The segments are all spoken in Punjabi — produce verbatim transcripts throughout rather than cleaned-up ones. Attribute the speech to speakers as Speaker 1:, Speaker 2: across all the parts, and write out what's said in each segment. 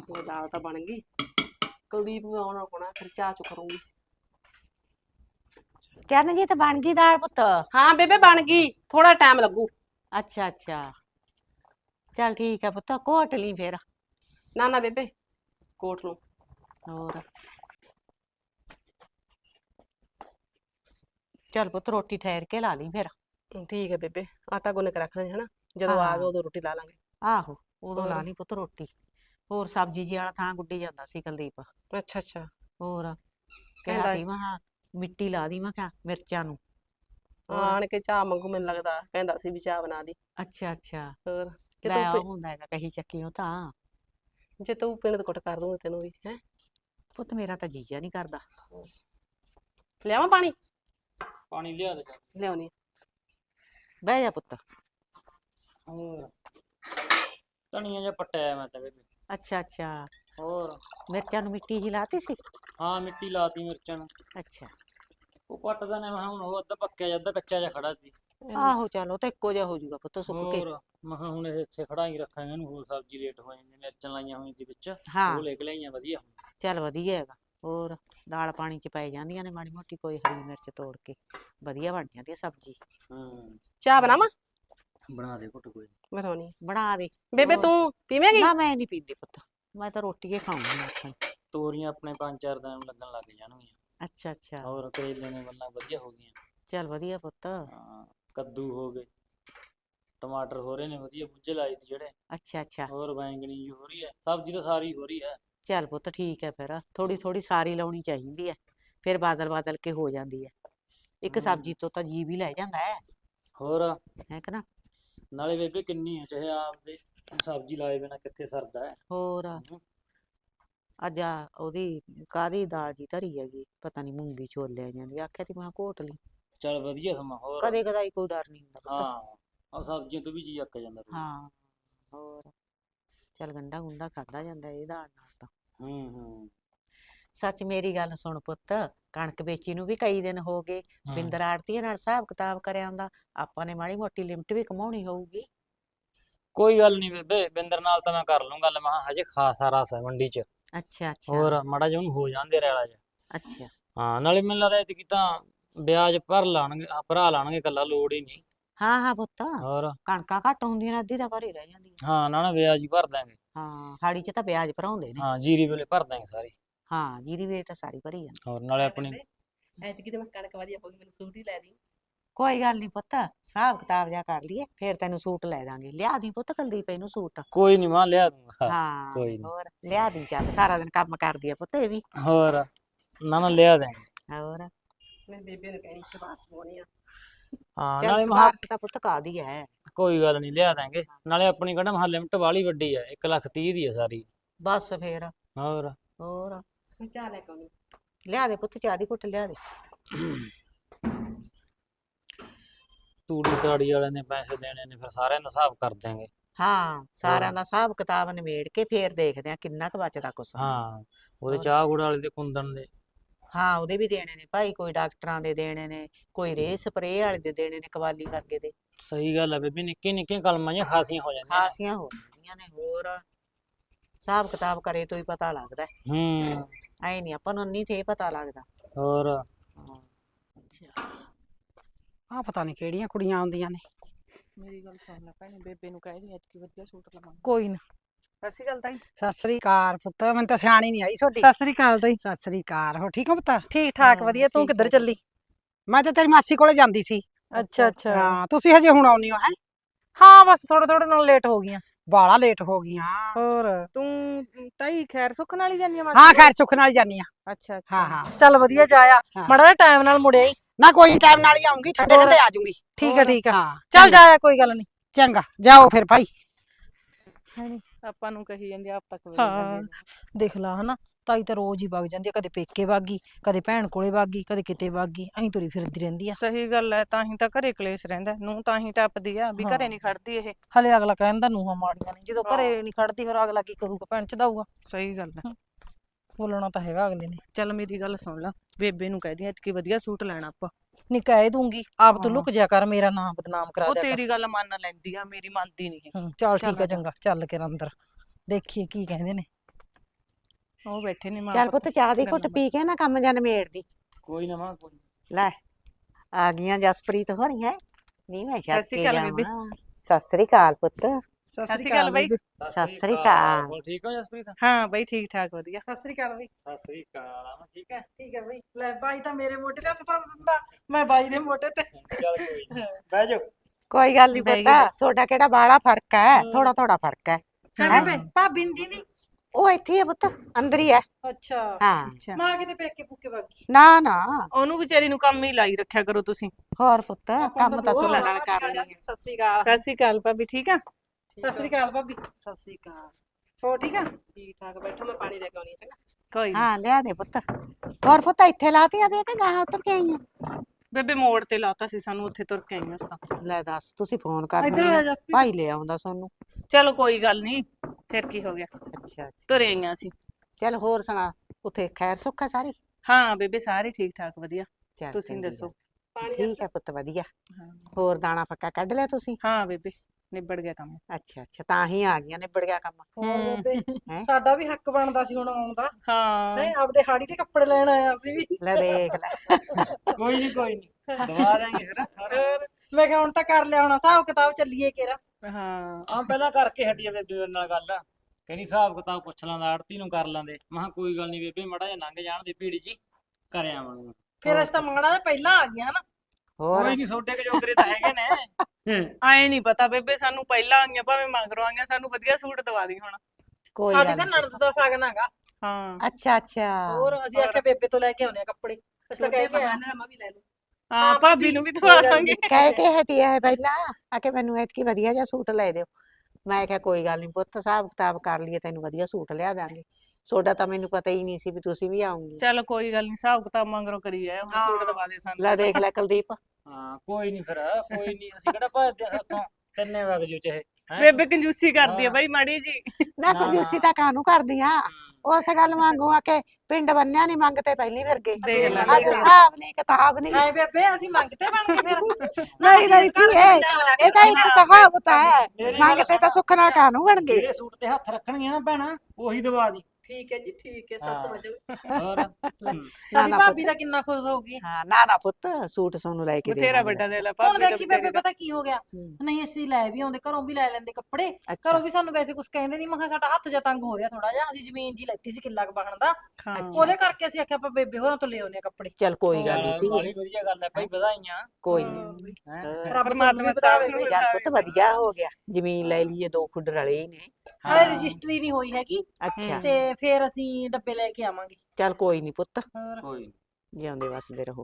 Speaker 1: ये दाल तो बन गई। कुलदीप भी आना होना, फिर चाह चु करूंगी।
Speaker 2: चरणजीत बन गई दाल पुत्त?
Speaker 1: हाँ बेबे बन गई, थोड़ा टाइम लगू।
Speaker 2: अच्छा अच्छा चल ठीक है पुत्त, घोट ली फिर।
Speaker 1: ना ना बेबे कोट लूं।
Speaker 2: और चल पुत्त रोटी ठहर के ला ली फिर।
Speaker 1: ठीक है बेबे, आटा गुन के रख लें है ना, ਜਦੋਂ ਆ ਗਏ
Speaker 2: हाँ
Speaker 1: ਉਦੋਂ ਰੋਟੀ ਲਾ ਲਾਂਗੇ।
Speaker 2: आहो उदों ला
Speaker 1: ਹੋਰ
Speaker 2: ली पुत्त रोटी। होर सब्जी जी वाला थां गुड्डी जांदा सी कुलदीप।
Speaker 1: ਅੱਛਾ ਅੱਛਾ
Speaker 2: होर कहा
Speaker 1: ਕਹਿੰਦਾ
Speaker 2: ती महा मिट्टी ला दी, मैं क्या मिर्चां नू। होर
Speaker 1: ਆਣ ਕੇ ਚਾਹ ਮੰਗੂ, ਮੈਨੂੰ ਲੱਗਦਾ ਕਹਿੰਦਾ ਸੀ ਵੀ ਚਾਹ ਬਣਾ ਦੀ।
Speaker 2: अच्छा अच्छा
Speaker 1: ਹੋਰ ਕਿ
Speaker 2: लै
Speaker 1: ਤੂੰ
Speaker 2: आ
Speaker 1: ਪੀ-
Speaker 2: हुंदा हैगा कही चक्कियों तां।
Speaker 1: ਜੇ ਤੂੰ ਪੀਣੇ ਤਾਂ ਕੁੱਟ ਕਰ ਦੂੰਗੀ ਤੈਨੂੰ ਵੀ ਹੈ।
Speaker 2: पुत्त मेरा तां जीजा नहीं करदा।
Speaker 1: ਲਿਆਵਾਂ ਪਾਣੀ?
Speaker 3: ਪਾਣੀ ਲਿਆ ਦੇ ਚੱਲ।
Speaker 1: ਲਿਆਉਣੀ ਆ।
Speaker 2: बह जा पुत्त।
Speaker 3: ਹੋਰ ਧਨੀਆ ਜਿਹਾ ਪੱਟਿਆ ਮੈਂ ਤਾਂ ਬੇਬੇ।
Speaker 2: अच्छा अच्छा
Speaker 3: ਹੋਰ
Speaker 2: मिर्चां नू मिट्टी जी लाती सी?
Speaker 3: ਹਾਂ ਮਿੱਟੀ ਲਾਤੀ ਮਿਰਚਾਂ ਨੂੰ।
Speaker 2: अच्छा
Speaker 3: ਉਹ ਪੱਟਦਾ ਨੇ ਮੈਂ ਹੁਣ ਉਹ ਅੱਧਾ ਪੱਕਿਆ ਜਾਂ ਅੱਧਾ ਕੱਚਾ ਜਿਹਾ ਖੜਾ ਸੀ।
Speaker 2: आहो चलो तो इक्को जिहा हो जाऊगा पुत्त सुक के।
Speaker 3: ਹੋਰ ਮੈਂ ਕਿਹਾ ਹੁਣ ਇਹ ਇੱਥੇ ਖੜਾ ਹੀ ਰੱਖਾਂਗੇ ਇਹਨੂੰ, ਹੋਰ ਸਬਜ਼ੀ ਲੇਟ ਹੋ ਜਾਂਦੀ, ਮਿਰਚਾਂ ਲਾਈਆਂ ਹੋਈਆਂ ਸੀ ਵਿੱਚ
Speaker 2: हाँ
Speaker 3: ਉਹ ਲੈ ਕੇ ਲਈਆਂ ਵਧੀਆ।
Speaker 2: चल वधिया हैगा। होर दाल पानी च पै जांदियां ने माड़ी मोटी, कोई हरी मिर्च तोड़ के वधिया बन जांदी है सब्जी।
Speaker 3: ਹੂੰ
Speaker 1: ਚਾਹ ਬਣਾਵਾਂ?
Speaker 3: ਬਣਾ ਦੇ ਘੁੱਟ ਕੋਈ।
Speaker 1: ਬਣਾਉਣੀ ਆ।
Speaker 2: बना दे।
Speaker 1: ਬੇਬੇ
Speaker 2: ਹੋਰ?
Speaker 1: ਤੂੰ ਪੀਵੇਂਗੀ?
Speaker 2: ना मैं नहीं पींदी पुत्त, मैं तो रोटी ही खाऊंगी आखण।
Speaker 3: ਤੋਰੀਆਂ ਆਪਣੇ ਪੰਜ ਚਾਰ ਦਿਨ ਲੱਗਣ ਲੱਗ ਜਾਣਗੀਆਂ।
Speaker 2: अच्छा अच्छा
Speaker 3: ਹੋਰ ਕਰੇਲੇ ਨੇ ਵੱਲਾਂ ਵਧੀਆ ਹੋ ਗਈਆਂ।
Speaker 2: चल वधिया पुत्त।
Speaker 3: ਹਾਂ ਕੱਦੂ ਹੋ ਗਏ, ਟਮਾਟਰ ਹੋ ਰਹੇ ਨੇ ਵਧੀਆ, ਬੁੱਝੇ ਲਾਏ ਤੇ ਜਿਹੜੇ।
Speaker 2: अच्छा अच्छा
Speaker 3: ਹੋਰ ਬੈਂਗਣੀ ਜੀ ਹੋ ਰਹੀ ਹੈ, ਸਬਜ਼ੀ ਤਾਂ ਸਾਰੀ ਹੋ ਰਹੀ ਹੈ।
Speaker 2: चल पुत्त ठीक है फिर, थोड़ी थोड़ी सारी लाउणी चाहिदी है, फिर बादल बादल के हो जाती है। एक
Speaker 3: हम्म।
Speaker 2: सब्जी तो तां जी भी लै जांदा है
Speaker 3: ਹੋਰ
Speaker 2: है कि ना।
Speaker 3: ਨਾਲੇ ਬੇਬੇ ਕਿੰਨੀ ਹੈ, ਚਾਹੇ ਆਪਦੇ ਸਬਜ਼ੀ ਲਾਏ ਬਿਨਾ ਕਿੱਥੇ ਸਰਦਾ ਹੈ।
Speaker 2: होर
Speaker 3: ਹਮ।
Speaker 2: ਅੱਜ ਆ ਉਹਦੀ ਕਾਹਦੀ ਦਾਲ ਜੀ ਧਰੀ ਹੈਗੀ, ਪਤਾ ਨਹੀਂ ਮੂੰਗੀ ਛੋਲਿਆਂ ਜਾਂਦੀ, ਆਖਿਆ ਤੀ ਮੈਂ ਘੋਟ ਲਈ।
Speaker 3: ਚੱਲ ਵਧੀਆ ਸਮਾਂ। ਹੋਰ
Speaker 2: ਕਦੇ ਕਦਾਈ ਕੋਈ ਡਰ ਨਹੀਂ ਹੁੰਦਾ ਪੁੱਤ।
Speaker 3: ਹਾਂ ਆ ਸਬਜ਼ੀਆਂ ਤੋਂ ਵੀ ਜੀ ਅੱਕ ਜਾਂਦਾ ਰੋਜ਼।
Speaker 2: ਹਾਂ ਹੋਰ ਚੱਲ ਗੰਡਾ ਗੁੰਡਾ ਖਾਦਾ ਜਾਂਦਾ ਇਹ ਦਾਲ ਨਾਲ ਤਾਂ।
Speaker 3: ਹੂੰ ਹੂੰ
Speaker 2: ਸੱਚ ਮੇਰੀ ਗੱਲ ਸੁਣ ਪੁੱਤ, ਕਣਕ ਵੇਚੀ ਨੂੰ ਵੀ ਕਈ ਦਿਨ ਹੋ ਗਏ,
Speaker 3: ਹੂੰ।
Speaker 2: ਬਿੰਦਰ ਆੜਤੀਏ ਨਾਲ ਹਿਸਾਬ ਕਿਤਾਬ ਕਰਿਆ ਹੁੰਦਾ, ਆਪਾਂ ਨੇ ਮਾੜੀ ਮੋਟੀ ਲਿਮਟ ਵੀ ਕਮਾਉਣੀ ਹੋਊਗੀ।
Speaker 3: ਕੋਈ ਗੱਲ ਨਹੀਂ ਬੇਬੇ, ਬਿੰਦਰ ਨਾਲ ਤਾਂ ਮੈਂ ਕਰ ਲੂੰ ਗੱਲ। ਮੈਂ ਕਿਹਾ ਹਜੇ ਖਾਸਾ ਰਸ ਹੈ ਮੰਡੀ 'ਚ।
Speaker 2: ਅੱਛਾ ਅੱਛਾ
Speaker 3: ਹੋਰ ਮਾੜਾ ਜਿਹਾ ਉਹਨੂੰ ਹੋ ਜਾਂਦੇ ਰੈਲਾ ਜਿਹਾ।
Speaker 2: ਅੱਛਾ
Speaker 3: ਹਾਂ ਨਾਲੇ ਮੈਨੂੰ ਲੱਗਦਾ ਐਤਕੀ ਤਾਂ ਵਿਆਜ ਭਰ ਲਾਣਗੇ, ਆਹ ਭਰਾ ਲਾਣਗੇ, ਇਕੱਲਾ ਲੋੜ ਹੀ ਨਹੀਂ।
Speaker 2: ਹਾਂ ਹਾਂ ਪੁੱਤ,
Speaker 3: ਹੋਰ
Speaker 2: ਕਣਕਾਂ ਘੱਟ ਹੁੰਦੀਆਂ ਨੇ, ਅੱਧੀ ਤਾਂ ਘਰ ਹੀ ਰਹਿ ਜਾਂਦੀ ਆ।
Speaker 3: ਹਾਂ ਨਾ ਨਾ ਵਿਆਜ ਹੀ ਭਰ ਦਾਂਗੇ।
Speaker 2: ਹਾਂ ਹਾੜੀ ਚ ਤਾਂ ਵਿਆਜ ਭਰਾਉਂਦੇ ਨੇ।
Speaker 3: ਹਾਂ ਜੀਰੀ ਵੇਲੇ ਭਰ ਦਾਂਗੇ ਸਾਰੀ।
Speaker 2: ਹਾਂ ਜੀਰੀ ਵੇਚ ਤਾਂ ਸਾਰੀ ਭਰੀ ਜਾਂਦੀ।
Speaker 3: ਹੋਰ ਨਾਲੇ ਆਪਣੀ
Speaker 1: ਐਤਕੀ ਤੇ ਮੈਂ ਕਣਕ ਵਧੀਆ ਹੋ ਗਈ, ਮੈਨੂੰ ਸੂਟ ਹੀ ਲੈ ਦੀ।
Speaker 2: ਕੋਈ ਗੱਲ ਨਹੀਂ ਪੁੱਤ, ਹਿਸਾਬ ਕਿਤਾਬ ਜਾ ਕਰ ਲਈਏ, ਫੇਰ ਤੈਨੂੰ ਸੂਟ ਲੈ ਦਾਂਗੇ। ਲਿਆ ਦੀ ਪੁੱਤ ਕੁਲਦੀਪ ਇਹਨੂੰ ਸੂਟ।
Speaker 3: ਕੋਈ ਨਹੀਂ ਮਾਂ ਲਿਆ ਦੂੰਗਾ।
Speaker 2: ਹਾਂ
Speaker 3: ਕੋਈ ਨੀ।
Speaker 2: ਹੋਰ ਲਿਆ ਦੀ, ਚੱਲ ਸਾਰਾ ਦਿਨ ਕੰਮ ਕਰਦੀ ਆ ਪੁੱਤ ਇਹ ਵੀ।
Speaker 3: ਹੋਰ ਨਾ ਨਾ ਲਿਆ ਦਾਂਗੇ।
Speaker 2: ਹੋਰ
Speaker 1: ਮੈਂ ਬੇਬੇ ਨੂੰ ਕਹਿਣੀ ਸ਼ਬਾਸ਼ ਪਾਉਣੀ ਆ।
Speaker 3: ਹਾਂ
Speaker 2: ਚੱਲ
Speaker 3: ਨਾਲੇ ਮਹਾ
Speaker 2: ਸਿਫਾਰਸ਼ ਤਾਂ ਪੁੱਤ ਕਾਹਦੀ ਹੈ।
Speaker 3: ਕੋਈ ਗੱਲ ਨਹੀਂ ਲਿਆ ਦਾਂਗੇ। ਨਾਲੇ ਆਪਣੀ ਕਿਹੜਾ ਮਹਾ ਲਿਮਟ ਵਾਲੀ ਵੱਡੀ ਹੈ, ਇੱਕ ਲੱਖ ਤੀਹ ਦੀ ਹੈ ਸਾਰੀ।
Speaker 2: ਬਸ ਫੇਰ
Speaker 3: ਹੋਰ
Speaker 2: ਹੋਰ
Speaker 1: ਮੈਂ ਚਾਹ ਲੈ ਕੇ ਆਉਣੀ।
Speaker 2: ਲਿਆ ਦੇ ਪੁੱਤ, ਚਾਹ ਦੀ ਘੁੱਟ ਲਿਆ ਦੇ।
Speaker 3: ਤੂੜੀ ਤਾੜੀ ਵਾਲਿਆਂ ਨੇ ਪੈਸੇ ਦੇਣੇ ਨੇ, ਫਿਰ ਸਾਰਿਆਂ ਦਾ ਹਿਸਾਬ ਕਰ ਦਿਆਂਗੇ।
Speaker 2: ਹਾਂ ਸਾਰਿਆਂ ਦਾ ਹਿਸਾਬ ਕਿਤਾਬ ਨਿਬੇੜ ਕੇ ਫੇਰ ਦੇਖਦੇ ਆ ਕਿੰਨਾ ਕੁ ਬਚਦਾ ਕੁਛ।
Speaker 3: ਹਾਂ ਉਹਦੇ
Speaker 2: ਹੋਰ।
Speaker 3: ਚਾਹ ਗੁੜ ਵਾਲੇ ਦੇ ਕੁੰਦਨ ਦੇ।
Speaker 2: ਹਾਂ ਉਹਦੇ ਵੀ ਦੇਣੇ ਨੇ ਭਾਈ, ਕੋਈ ਡਾਕਟਰਾਂ ਦੇ ਦੇਣੇ ਨੇ, ਕੋਈ ਰੇਹ ਸਪਰੇਅ ਵਾਲੇ ਦੇ ਦੇਣੇ ਨੇ, ਕਵਾਲੀ ਵਰਗੇ ਦੇ।
Speaker 3: ਸਹੀ ਗੱਲ ਹੈ ਬੇਬੀ, ਨਿੱਕੀਆਂ ਨਿੱਕੀਆਂ ਕਲਮਾਂ ਜਿਹੀਆਂ ਖਾਸੀਆਂ ਹੋ ਜਾਂਦੀਆਂ ਨੇ।
Speaker 2: ਖਾਸੀਆਂ ਹੋ ਜਾਂਦੀਆਂ ਨੇ। ਹੋਰ ਹਿਸਾਬ ਕਿਤਾਬ ਕਰੇ ਤੋਂ ਹੀ ਪਤਾ ਲੱਗਦਾ,
Speaker 3: ਹੂੰ
Speaker 2: ਐ ਨਹੀਂ ਆਪਾਂ ਨੂੰ ਨਹੀਂ ਤੇ ਪਤਾ ਲੱਗਦਾ।
Speaker 3: ਹੋਰ
Speaker 2: ਹਾਂ
Speaker 4: ਆ ਪਤਾ ਨਹੀਂ ਕਿਹੜੀਆਂ ਕੁੜੀਆਂ ਆਉਂਦੀਆਂ ਨੇ।
Speaker 1: ਮੇਰੀ ਗੱਲ ਸੁਣ ਲੈ ਭੈਣੇ, ਬੇਬੇ ਨੂੰ ਕਹਿ ਦੀ ਐਤਕੀ ਵਧੀਆ ਸੂਟ ਲਵਾਂਗੇ।
Speaker 4: ਕੋਈ ਨਾ।
Speaker 1: ਸਤਿ ਸ਼੍ਰੀ ਅਕਾਲ ਤਾਈ।
Speaker 4: ਸਤਿ ਸ੍ਰੀ ਅਕਾਲ ਪੁੱਤ, ਮੈਨੂੰ ਤਾਂ ਸਿਆਣੀ ਨਹੀਂ ਆਈ ਤੁਹਾਡੀ।
Speaker 5: ਸਤਿ ਸ੍ਰੀ ਅਕਾਲ ਤਾਈ।
Speaker 4: ਸਤਿ ਸ੍ਰੀ ਅਕਾਲ, ਹੋ ਠੀਕ ਹੋ ਪੁੱਤ?
Speaker 5: ਠੀਕ ਠਾਕ
Speaker 4: ਹਾਂ,
Speaker 5: ਵਧੀਆ, ਤੂੰ
Speaker 4: ਠੀਕ
Speaker 5: ਕਿੱਧਰ
Speaker 4: ਹੈ।
Speaker 5: ਚੱਲੀ?
Speaker 4: ਮੈਂ ਤਾਂ ਤੇਰੀ ਮਾਸੀ ਕੋਲੇ ਜਾਂਦੀ ਸੀ।
Speaker 5: ਅੱਛਾ ਅੱਛਾ
Speaker 4: ਹਾਂ ਤੁਸੀਂ ਹਜੇ ਹੁਣ ਆਉਣੀ ਹੋ? ਹੈ
Speaker 5: ਹਾਂ ਬਸ ਥੋੜੇ ਥੋੜੇ ਨਾਲ ਲੇਟ ਹੋ ਗਈਆਂ।
Speaker 4: ਬਾਲਾ ਲੇਟ ਹੋ ਗਈਆਂ।
Speaker 5: ਹੋਰ
Speaker 1: ਤੂੰ ਤਾਈ ਖੈਰ ਸੁੱਖ ਨਾਲ ਹੀ ਜਾਂਦੀ ਆ?
Speaker 4: ਹਾਂ ਖੈਰ ਸੁੱਖ ਨਾਲ ਜਾਨੀ ਆ।
Speaker 1: ਅੱਛਾ ਅੱਛਾ।
Speaker 4: ਹਾਂ ਹਾਂ
Speaker 5: ਚੱਲ ਵਧੀਆ ਜਾਇਆ,
Speaker 4: ਹਾਂ।
Speaker 5: ਮਾੜਾ ਜਿਹਾ ਟਾਈਮ ਨਾਲ ਮੁੜਿਆ ਈ।
Speaker 4: ਨਾ ਕੋਈ ਟਾਈਮ ਨਾਲ ਹੀ ਆਉਂਗੀ, ਠੰਡੇ
Speaker 5: ਹੋਰ।
Speaker 4: ਠੰਡੇ ਆ ਜਾਊਂਗੀ।
Speaker 5: ਠੀਕ ਹੈ ਠੀਕ ਹੈ,
Speaker 4: ਹਾਂ
Speaker 5: ਚੱਲ
Speaker 4: ਚੰਗਾ,
Speaker 5: ਜਾਇਆ ਕੋਈ ਗੱਲ ਨਹੀਂ।
Speaker 4: ਚੰਗਾ ਜਾਓ ਫਿਰ ਭਾਈ।
Speaker 1: ਆਪਾਂ ਨੂੰ ਕਹੀ ਜਾਂਦੇ ਆਪ ਤੱਕ ਵੇਖ
Speaker 5: ਹਾਂ
Speaker 1: ਲੈਂਦੇ ਨੇ।
Speaker 5: ਦੇਖ ਲਾ ਹਨਾ, ਤਾਈ ਤਾਂ ਰੋਜ਼ ਹੀ ਵਗ ਜਾਂਦੀ ਆ, ਕਦੇ ਪੇਕੇ ਵਗ ਗਈ, ਕਦੇ ਭੈਣ ਕੋਲੇ ਵਗ ਗਈ, ਕਦੇ ਕਿਤੇ ਵਗ ਗਈ, ਐਂ ਤੁਰੀ ਫਿਰਦੀ ਰਹਿੰਦੀ ਆ।
Speaker 1: ਸਹੀ ਗੱਲ ਹੈ, ਤਾਂ ਹੀ ਤਾਂ ਘਰੇ ਕਲੇਸ਼ ਰਹਿੰਦਾ ਨੂੰ, ਤਾਂ ਹੀ ਟੱਪਦੀ ਆ ਵੀ ਘਰੇ
Speaker 5: ਹਾਂ।
Speaker 1: ਨਹੀਂ ਖੜਦੀ ਇਹ।
Speaker 5: ਹਲੇ ਅਗਲਾ ਕਹਿੰਦਾ ਨੂੰਹਾਂ ਮਾੜੀਆਂ ਨੇ, ਜਦੋਂ ਘਰੇ ਨਹੀਂ ਖੜਦੀ ਫਿਰ ਅਗਲਾ ਕੀ ਕਰੂਗਾ, ਭੈਣ ਚਦਾਊਗਾ।
Speaker 1: ਸਹੀ ਗੱਲ ਹੈ।
Speaker 5: ਬੋਲਣਾ ਤਾਂ ਹੈਗਾ ਅਗਲੇ ਨੇ।
Speaker 1: ਚੱਲ ਮੇਰੀ ਗੱਲ ਸੁਣ ਲਾ, ਬੇਬੇ ਨੂੰ ਕਹਿ ਦੀ ਐਤਕੀ ਵਧੀਆ ਸੂਟ ਲੈਣਾ ਆਪਾਂ।
Speaker 5: ਨਹੀਂ ਕਹਿ ਦੂੰਗੀ, ਆਪ ਤੂੰ
Speaker 1: ਹਾਂ।
Speaker 5: ਲੁਕ ਜਾ ਕਰ, ਮੇਰਾ ਨਾਮ ਬਦਨਾਮ ਕਰਾ
Speaker 1: ਉਹ
Speaker 5: ਦਿਆ ਕਰ।
Speaker 1: ਤੇਰੀ ਗੱਲ ਮੰਨ ਲੈਂਦੀ ਆ, ਮੇਰੀ ਮੰਨਦੀ ਨਹੀਂ।
Speaker 5: ਹੂੰ, ਚੱਲ
Speaker 1: ਚੱਲ
Speaker 5: ਠੀਕ ਹੈ
Speaker 1: ਆ ਜਾ।
Speaker 5: ਚੰਗਾ, ਚੱਲ ਕੇ ਅੰਦਰ ਦੇਖੀਏ ਕੀ ਕਹਿੰਦੇ ਨੇ।
Speaker 6: ਉਹ ਬੈਠੇ ਨੇ ਮਾਂ
Speaker 4: ਚੱਲ ਪੁੱਤ ਚਾਹ ਦੀ ਘੁੱਟ
Speaker 6: ਗੱਲਾਂ
Speaker 4: ਪੀ ਕੇ ਨਾ ਕੰਮ ਜਾਂ ਨਿਮੇੜਦੀ।
Speaker 3: ਕੋਈ ਨਾ ਮਾਂ ਕੋਈ
Speaker 4: ਲੈ ਆ ਗਈਆਂ ਜਸਪ੍ਰੀਤ ਹੋ ਰਹੀਆਂ। ਨਹੀਂ ਮੈਂ ਛੱਡ
Speaker 6: ਸਤਿ
Speaker 4: ਕੇ
Speaker 6: ਸ਼੍ਰੀ ਅਕਾਲ ਬੀਬੀ।
Speaker 4: ਜਾਵਾਂ। ਸਤਿ ਸ੍ਰੀ ਅਕਾਲ ਪੁੱਤ।
Speaker 6: ਸਤਿ ਸ਼੍ਰੀ ਅਕਾਲ ਬਾਈ।
Speaker 4: ਸਤਿ ਸ੍ਰੀ ਅਕਾਲ।
Speaker 3: ਹੋਰ ਠੀਕ ਹੋ ਜਸਪ੍ਰੀਤ?
Speaker 6: ਹਾਂ ਬਾਈ ਠੀਕ ਠਾਕ ਵਧੀਆ।
Speaker 5: ਸਤਿ ਸ੍ਰੀ ਅਕਾਲ ਬਈ।
Speaker 3: ਸਤਿ ਸ੍ਰੀ ਅਕਾਲ ਅਮਨ ਠੀਕ ਹੈ?
Speaker 5: ਠੀਕ ਹੈ ਬਈ। ਲੈ ਬਾਈ ਤਾਂ ਮੇਰੇ ਮੋਢੇ ਤੇ ਹੱਥ ਧਰ ਦਿੰਦਾ, ਮੈਂ ਬਾਈ ਦੇ ਮੋਢੇ ਤੇ।
Speaker 3: ਚੱਲ ਕੋਈ ਨੀ ਬਹਿ ਜਾਓ।
Speaker 4: ਕੋਈ ਗੱਲ ਨਹੀਂ
Speaker 6: ਬਹਿ
Speaker 4: ਪੁੱਤ,
Speaker 6: ਗਈ
Speaker 4: ਤੁਹਾਡਾ ਕਿਹੜਾ ਬਾਹਲਾ ਫਰਕ ਹੈ, ਥੋੜਾ ਥੋੜਾ ਫਰਕ ਹੈ।
Speaker 5: ਹੈ
Speaker 4: ਹੈਂ?
Speaker 5: ਬੇਬੇ ਭਾਬੀ ਨੀ ਦੀਦੀ।
Speaker 4: ਉਹ ਇੱਥੇ ਹੀ ਹੈ ਪੁੱਤ, ਅੰਦਰ ਹੀ ਹੈ।
Speaker 5: ਅੱਛਾ
Speaker 4: ਹਾਂ
Speaker 6: ਅੱਛਾ
Speaker 5: ਮਾਂ ਕਿਤੇ ਪੇਕੇ ਪੁੱਕੇ ਬਾਗੀ।
Speaker 4: ਨਾ ਨਾ
Speaker 6: ਉਹਨੂੰ ਵਿਚਾਰੀ ਨੂੰ ਕੰਮ ਹੀ ਲਾਈ ਰੱਖਿਆ ਕਰੋ ਤੁਸੀਂ।
Speaker 4: ਹੋਰ ਪੁੱਤ
Speaker 5: ਆਪਾਂ
Speaker 4: ਕੰਮ ਤਾਂ
Speaker 5: ਤਾਂ
Speaker 4: ਸੁਣਨ
Speaker 5: ਬਹੁਤ
Speaker 4: ਨਾਲ ਕਰਨੀ ਹੈ।
Speaker 1: ਸਤਿ ਸ੍ਰੀ ਅਕਾਲ।
Speaker 6: ਸਤਿ ਸ਼੍ਰੀ ਅਕਾਲ ਭਾਬੀ ਠੀਕ ਆ?
Speaker 5: ਸਤਿ ਸ੍ਰੀ ਅਕਾਲ ਭਾਬੀ।
Speaker 1: ਸਤਿ ਸ੍ਰੀ ਅਕਾਲ।
Speaker 5: ਹੋ ਠੀਕ ਆ?
Speaker 1: ਠੀਕ ਠਾਕ ਬੈਠੋ, ਮੈਂ ਪਾਣੀ ਲੈ ਕੇ ਆਉਣੀ ਚੰਗਾ।
Speaker 6: ਕੋਈ ਨੀ।
Speaker 4: ਹਾਂ ਲਿਆ ਦੇ ਪੁੱਤ। ਹੋਰ ਪੁੱਤ ਇੱਥੇ ਲਾਤੀਆਂ ਦੇ ਕੇ ਗਾਹਾਂ ਉਤਰ ਕੇ ਆਈਆਂ।
Speaker 6: ਬੇਬੇ ਮੋੜ ਤੇ ਲਾਤਾ ਸੀ ਸਾਨੂੰ, ਉੱਥੇ ਤੁਰ ਕੇ ਆਈਆਂ ਅਸੀਂ
Speaker 4: ਲੈ ਦੱਸ, ਤੁਸੀਂ ਫੋਨ ਕਰ
Speaker 5: ਇੱਧਰ
Speaker 4: ਦਿੰਦੇ
Speaker 5: ਆ ਜਸਪ੍ਰੀਤ।
Speaker 4: ਭਾਈ ਲੈ ਆਉਂਦਾ ਸੋਨੂੰ।
Speaker 6: ਤਾਂ। ਚਲੋ ਕੋਈ ਗੱਲ ਨਹੀਂ, ਫਿਰ ਕੀ ਹੋ ਗਿਆ,
Speaker 4: ਅੱਛਾ ਅੱਛਾ
Speaker 6: ਤੁਰੇ ਆਈਆਂ ਸੀ।
Speaker 4: ਚੱਲ ਹੋਰ ਸੁਣਾ, ਉੱਥੇ ਖੈਰ ਸੁੱਖ ਹੈ ਸਾਰੀ?
Speaker 6: ਹਾਂ ਬੇਬੇ ਸਾਰੇ ਠੀਕ ਠਾਕ ਵਧੀਆ।
Speaker 4: ਚੱਲ
Speaker 6: ਤੁਸੀਂ
Speaker 4: ਚੰਗੀ
Speaker 6: ਦੱਸੋ?
Speaker 4: ਗੱਲ।
Speaker 1: ਪਾਣੀ
Speaker 4: ਠੀਕ ਹੈ ਪੁੱਤ ਵਧੀਆ।
Speaker 6: ਹਾਂ
Speaker 4: ਹੋਰ ਦਾਣਾ ਪੱਕਾ ਕੱਢ ਲਿਆ ਤੁਸੀਂ?
Speaker 6: ਹਾਂ ਬੇਬੇ ਨਿਬੜ ਗਿਆ ਕੰਮ।
Speaker 4: ਅੱਛਾ ਅੱਛਾ ਤਾਂ ਹੀ ਆ ਗਈਆਂ, ਨਿਬੜ ਗਿਆ ਕੰਮ।
Speaker 5: ਹੋਰ
Speaker 6: ਹਮ।
Speaker 5: ਬੇਬੇ
Speaker 4: ਹੈਂ?
Speaker 5: ਸਾਡਾ ਵੀ ਹੱਕ ਬਣਦਾ ਸੀ ਹੁਣ ਆਉਣ ਦਾ।
Speaker 6: ਹਾਂ
Speaker 5: ਨਹੀਂ ਆਪਦੇ ਹਾੜੀ ਦੇ ਕੱਪੜੇ ਲੈਣ ਆਇਆ ਸੀ ਵੀ।
Speaker 4: ਲੈ ਦੇਖ ਲੈ।
Speaker 3: ਕੋਈ ਨਹੀਂ ਕੋਈ ਨਹੀਂ ਦਵਾ ਦਾਂਗੇ ਫਿਰ।
Speaker 5: ਹੋਰ ਮੈਂ ਕਿਹਾ ਹੁਣ ਤਾਂ ਕਰ ਲਿਆ ਹੋਣਾ ਹਿਸਾਬ ਕਿਤਾਬ, ਚੱਲੀਏ ਕੇਰਾ।
Speaker 6: ਹਾਂ
Speaker 3: ਆ ਪਹਿਲਾਂ ਕਰਕੇ ਹਟੀ ਆ ਬੇਬੇ ਮੇਰੇ ਨਾਲ ਗੱਲ। ਕਹਿੰਦੀ ਹਿਸਾਬ ਕਿਤਾਬ ਪੁੱਛ ਲਾਂਦਾ, ਆੜਤੀ ਨੂੰ ਕਰ ਲਾਂਦੇ। ਮੈਂ ਕਿਹਾ ਕੋਈ ਗੱਲ ਨਹੀਂ ਬੇਬੇ, ਮੜਾ ਜਿਹਾ ਲੰਘ ਜਾਣ ਦੇ ਭੀੜੀ ਜੀ, ਕਰ ਆਵਾਂਗੇ।
Speaker 5: ਫਿਰ ਅਸੀਂ ਤਾਂ ਮਾੜਾ ਜਿਹਾ ਪਹਿਲਾਂ ਆ ਗਈਆਂ ਹਨਾ।
Speaker 4: ਹੋਰ
Speaker 3: ਕੋਈ ਨਹੀਂ, ਛੋਟੇ ਕੇ ਜੋਗਰੇ ਤਾਂ ਹੈਗੇ ਨੇ।
Speaker 6: ਆਏ ਨਹੀਂ ਪਤਾ ਬੇਬੇ, ਸਾਨੂੰ ਪਹਿਲਾਂ ਆਈਆਂ ਭਾਵੇਂ ਮਗਰੋਂ ਆਈਆਂ, ਸਾਨੂੰ ਵਧੀਆ ਸੂਟ ਦਵਾ ਦੀ ਹੁਣ।
Speaker 4: ਕੋਈ
Speaker 5: ਸਾਡੀ
Speaker 4: ਗੱਲ
Speaker 5: ਤਾਂ
Speaker 4: ਨੀ।
Speaker 5: ਨਣਦ ਦਾ ਸਾਗਨ ਹੈਗਾ।
Speaker 6: ਹਾਂ
Speaker 4: ਅੱਛਾ ਅੱਛਾ
Speaker 5: ਹੋਰ ਅਸੀਂ ਆਖਿਆ ਬੇਬੇ ਤੋਂ ਲੈ ਕੇ ਆਉਣੇ ਆ ਕੱਪੜੇ। ਅਸੀਂ ਤਾਂ ਕਹਿ ਕੇ ਆਏ।
Speaker 1: ਬਹਾਨੇ ਨਾਲ ਮੈਂ ਵੀ ਲੈ ਲੂ।
Speaker 6: ਹਾਂ
Speaker 5: ਹਾਂ,
Speaker 6: ਭਾਬੀ ਨੂੰ ਵੀ
Speaker 5: ਕੋਈ
Speaker 6: ਦਵਾ
Speaker 5: ਗੱਲ
Speaker 6: ਦਾਂਗੇ।
Speaker 5: ਨੀ।
Speaker 4: ਕਹਿ ਕੇ ਹਟੀ ਹੈ ਪਹਿਲਾਂ ਆ ਕੇ ਮੈਨੂੰ ਐਤਕੀ ਵਧੀਆ ਜਿਹਾ ਸੂਟ ਲੈ ਦਿਓ। ਮੈਂ ਕਿਹਾ ਕੋਈ ਗੱਲ ਨਹੀਂ ਪੁੱਤ, ਹਿਸਾਬ ਕਿਤਾਬ ਕਰ ਲਈਏ, ਤੈਨੂੰ ਵਧੀਆ ਸੂਟ ਲਿਆ ਦਾਂਗੇ। ਤੁਹਾਡਾ ਤਾਂ ਮੈਨੂੰ ਪਤਾ ਹੀ ਨਹੀਂ ਸੀ ਵੀ ਤੁਸੀਂ ਵੀ ਆਉਂਗੇ।
Speaker 6: ਚਲ ਕੋਈ ਗੱਲ ਨਹੀਂ, ਹਿਸਾਬ ਕਿਤਾਬ ਮਗਰੋਂ ਕਰੀ ਜਾਏ, ਹੁਣ ਸੂਟ ਦਵਾ ਦੇ ਸਾਨੂੰ।
Speaker 4: ਲੈ ਦੇਖ ਲੈ ਕੁਲਦੀਪ।
Speaker 3: ਹਾਂ ਕੋਈ ਨਹੀਂ ਫਿਰ, ਕੋਈ ਨਹੀਂ ਅਸੀਂ ਕਿਹੜਾ ਭੱਜਦੇ ਹਾਂ ਉੱਥੋਂ, ਤਿੰਨੇ ਵਗ ਜੋ ਚਾਹੇ। ਹੈਂ?
Speaker 6: ਬੇਬੇ ਕੰਜੂਸੀ ਕਰਦੀ ਆ
Speaker 3: ਹਾਂ।
Speaker 6: ਬਾਈ ਮਾੜੀ ਜੀ।
Speaker 4: ਨਾ
Speaker 3: ਨਾ,
Speaker 4: ਕੰਜੂਸੀ
Speaker 3: ਨਾ।
Speaker 4: ਤਾਂ ਕਾਹਨੂੰ ਕਰਦੀਆਂ,
Speaker 3: ਹਮ।
Speaker 4: ਉਸ ਗੱਲ ਵਾਂਗੂ ਆ ਕੇ ਪਿੰਡ ਬੰਨਿਆ ਨਹੀਂ ਮੰਗਤੇ ਪਹਿਲੀ ਵਰਗੇ।
Speaker 6: ਦੇਖ ਲੈ,
Speaker 4: ਅੱਜ ਹਿਸਾਬ ਨਹੀਂ ਕਿਤਾਬ ਨਹੀਂ।
Speaker 5: ਐ ਬੇਬੇ ਅਸੀਂ ਮੰਗਤੇ ਬਣ ਕੇ ਫਿਰ।
Speaker 4: ਨਹੀਂ ਨਹੀਂ ਧੀਏ, ਇਹ ਤਾਂ ਇੱਕ ਕਹਾਵਤ ਹੈ,
Speaker 3: ਮੇਰੀ ਗੱਲ
Speaker 4: ਮੰਗਤੇ ਤਾਂ
Speaker 3: ਸੁਣ।
Speaker 4: ਸੁੱਖ ਨਾਲ ਕਾਹਨੂੰ ਬਣ ਗਏ।
Speaker 3: ਜਿਹੜੇ ਸੂਟ ਤੇ ਹੱਥ ਰੱਖਣਗੀਆਂ ਨਾ ਭੈਣਾ, ਉਹੀ ਦਵਾ ਦੀ।
Speaker 1: ਠੀਕ ਹੈ ਜੀ, ਠੀਕ ਹੈ।
Speaker 3: ਹਾਂ।
Speaker 1: ਸੱਤ ਵਜੇ
Speaker 3: ਹੋਰ ਹਮ।
Speaker 5: ਸਾਡੀ
Speaker 4: ਨਾ
Speaker 5: ਭਾਬੀ
Speaker 4: ਪੁੱਤ।
Speaker 5: ਦਾ ਕਿੰਨਾ ਖੁਸ਼ ਹੋਊਗੀ।
Speaker 4: ਹਾਂ ਨਾ ਨਾ ਪੁੱਤ, ਸੂਟ ਸੋਨੂੰ ਲੈ ਕੇ
Speaker 6: ਬਥੇਰਾ
Speaker 4: ਦੇਵਾਂਗੇ।
Speaker 6: ਵੱਡਾ ਦੇ ਲੈ
Speaker 5: ਹੁਣ
Speaker 6: ਭਾਬੀ ਦਾ
Speaker 5: ਦੇਖੀ ਬੇਬੇ
Speaker 6: ਵਿਚਾਰੀ ਦਾ।
Speaker 5: ਪਤਾ ਕੀ ਹੋ ਗਿਆ,
Speaker 4: ਹੂੰ।
Speaker 5: ਨਹੀਂ ਅਸੀਂ ਲੈ ਵੀ ਆਉਂਦੇ, ਘਰੋਂ ਵੀ ਲੈ ਲੈਂਦੇ ਕੱਪੜੇ।
Speaker 4: ਅੱਛਾ
Speaker 5: ਘਰੋਂ ਵੀ ਸਾਨੂੰ ਵੈਸੇ ਕੁਝ ਕਹਿੰਦੇ ਨਹੀਂ। ਮੈਂ ਕਿਹਾ ਸਾਡਾ ਹੱਥ ਜਿਹਾ ਤੰਗ ਹੋ ਰਿਹਾ ਥੋੜਾ ਜਿਹਾ, ਅਸੀਂ ਜ਼ਮੀਨ ਜੀ ਲੈਤੀ ਸੀ ਕਿੱਲਾ ਕੁ ਬਾਹਣ ਦਾ,
Speaker 6: ਹਾਂ
Speaker 4: ਅੱਛਾ।
Speaker 5: ਉਹਦੇ ਕਰਕੇ ਅਸੀਂ ਆਖਿਆ ਆਪਾਂ ਬੇਬੇ ਹੋਰਾਂ ਤੋਂ ਲੈ ਆਉਂਦੇ ਆ ਕੱਪੜੇ।
Speaker 4: ਚੱਲ ਕੋਈ ਗੱਲ ਨਹੀਂ
Speaker 3: ਚੱਲ,
Speaker 4: ਧੀਏ,
Speaker 3: ਬਾਹਲੀ ਵਧੀਆ ਗੱਲ ਹੈ ਭਾਈ, ਵਧਾਈਆਂ।
Speaker 4: ਕੋਈ
Speaker 5: ਹਾਂ।
Speaker 4: ਨਹੀਂ।
Speaker 3: ਹੈਂ?
Speaker 5: ਰੱਬ
Speaker 6: ਪਰਮਾਤਮਾ
Speaker 5: ਸਾਨੂੰ ਵੀ
Speaker 6: ਸਾਹਿਬ
Speaker 5: ਵਧਾਵੇ
Speaker 6: ਨੂੰ
Speaker 5: ਬਈ।
Speaker 4: ਚੱਲ ਪੁੱਤ ਵਧੀਆ ਹੋ ਗਿਆ, ਜ਼ਮੀਨ ਲੈ ਲਈਏ, ਦੋ ਖੁੱਡ ਰਲੇ ਹੀ ਨੇ।
Speaker 5: ਹਾਲੇ
Speaker 3: ਹਾਂ।
Speaker 5: ਰਜਿਸਟਰੀ ਨਹੀਂ ਹੋਈ ਹੈਗੀ,
Speaker 4: ਅੱਛਾ
Speaker 5: ਤੇ ਫਿਰ ਅਸੀਂ ਡੱਬੇ ਲੈ ਕੇ ਆਵਾਂਗੇ।
Speaker 4: ਚੱਲ ਕੋਈ ਨਹੀਂ ਪੁੱਤ,
Speaker 5: ਹੋਰ
Speaker 3: ਕੋਈ ਨੀ।
Speaker 4: ਜਿਉਂਦੇ ਵਸਦੇ ਰਹੋ।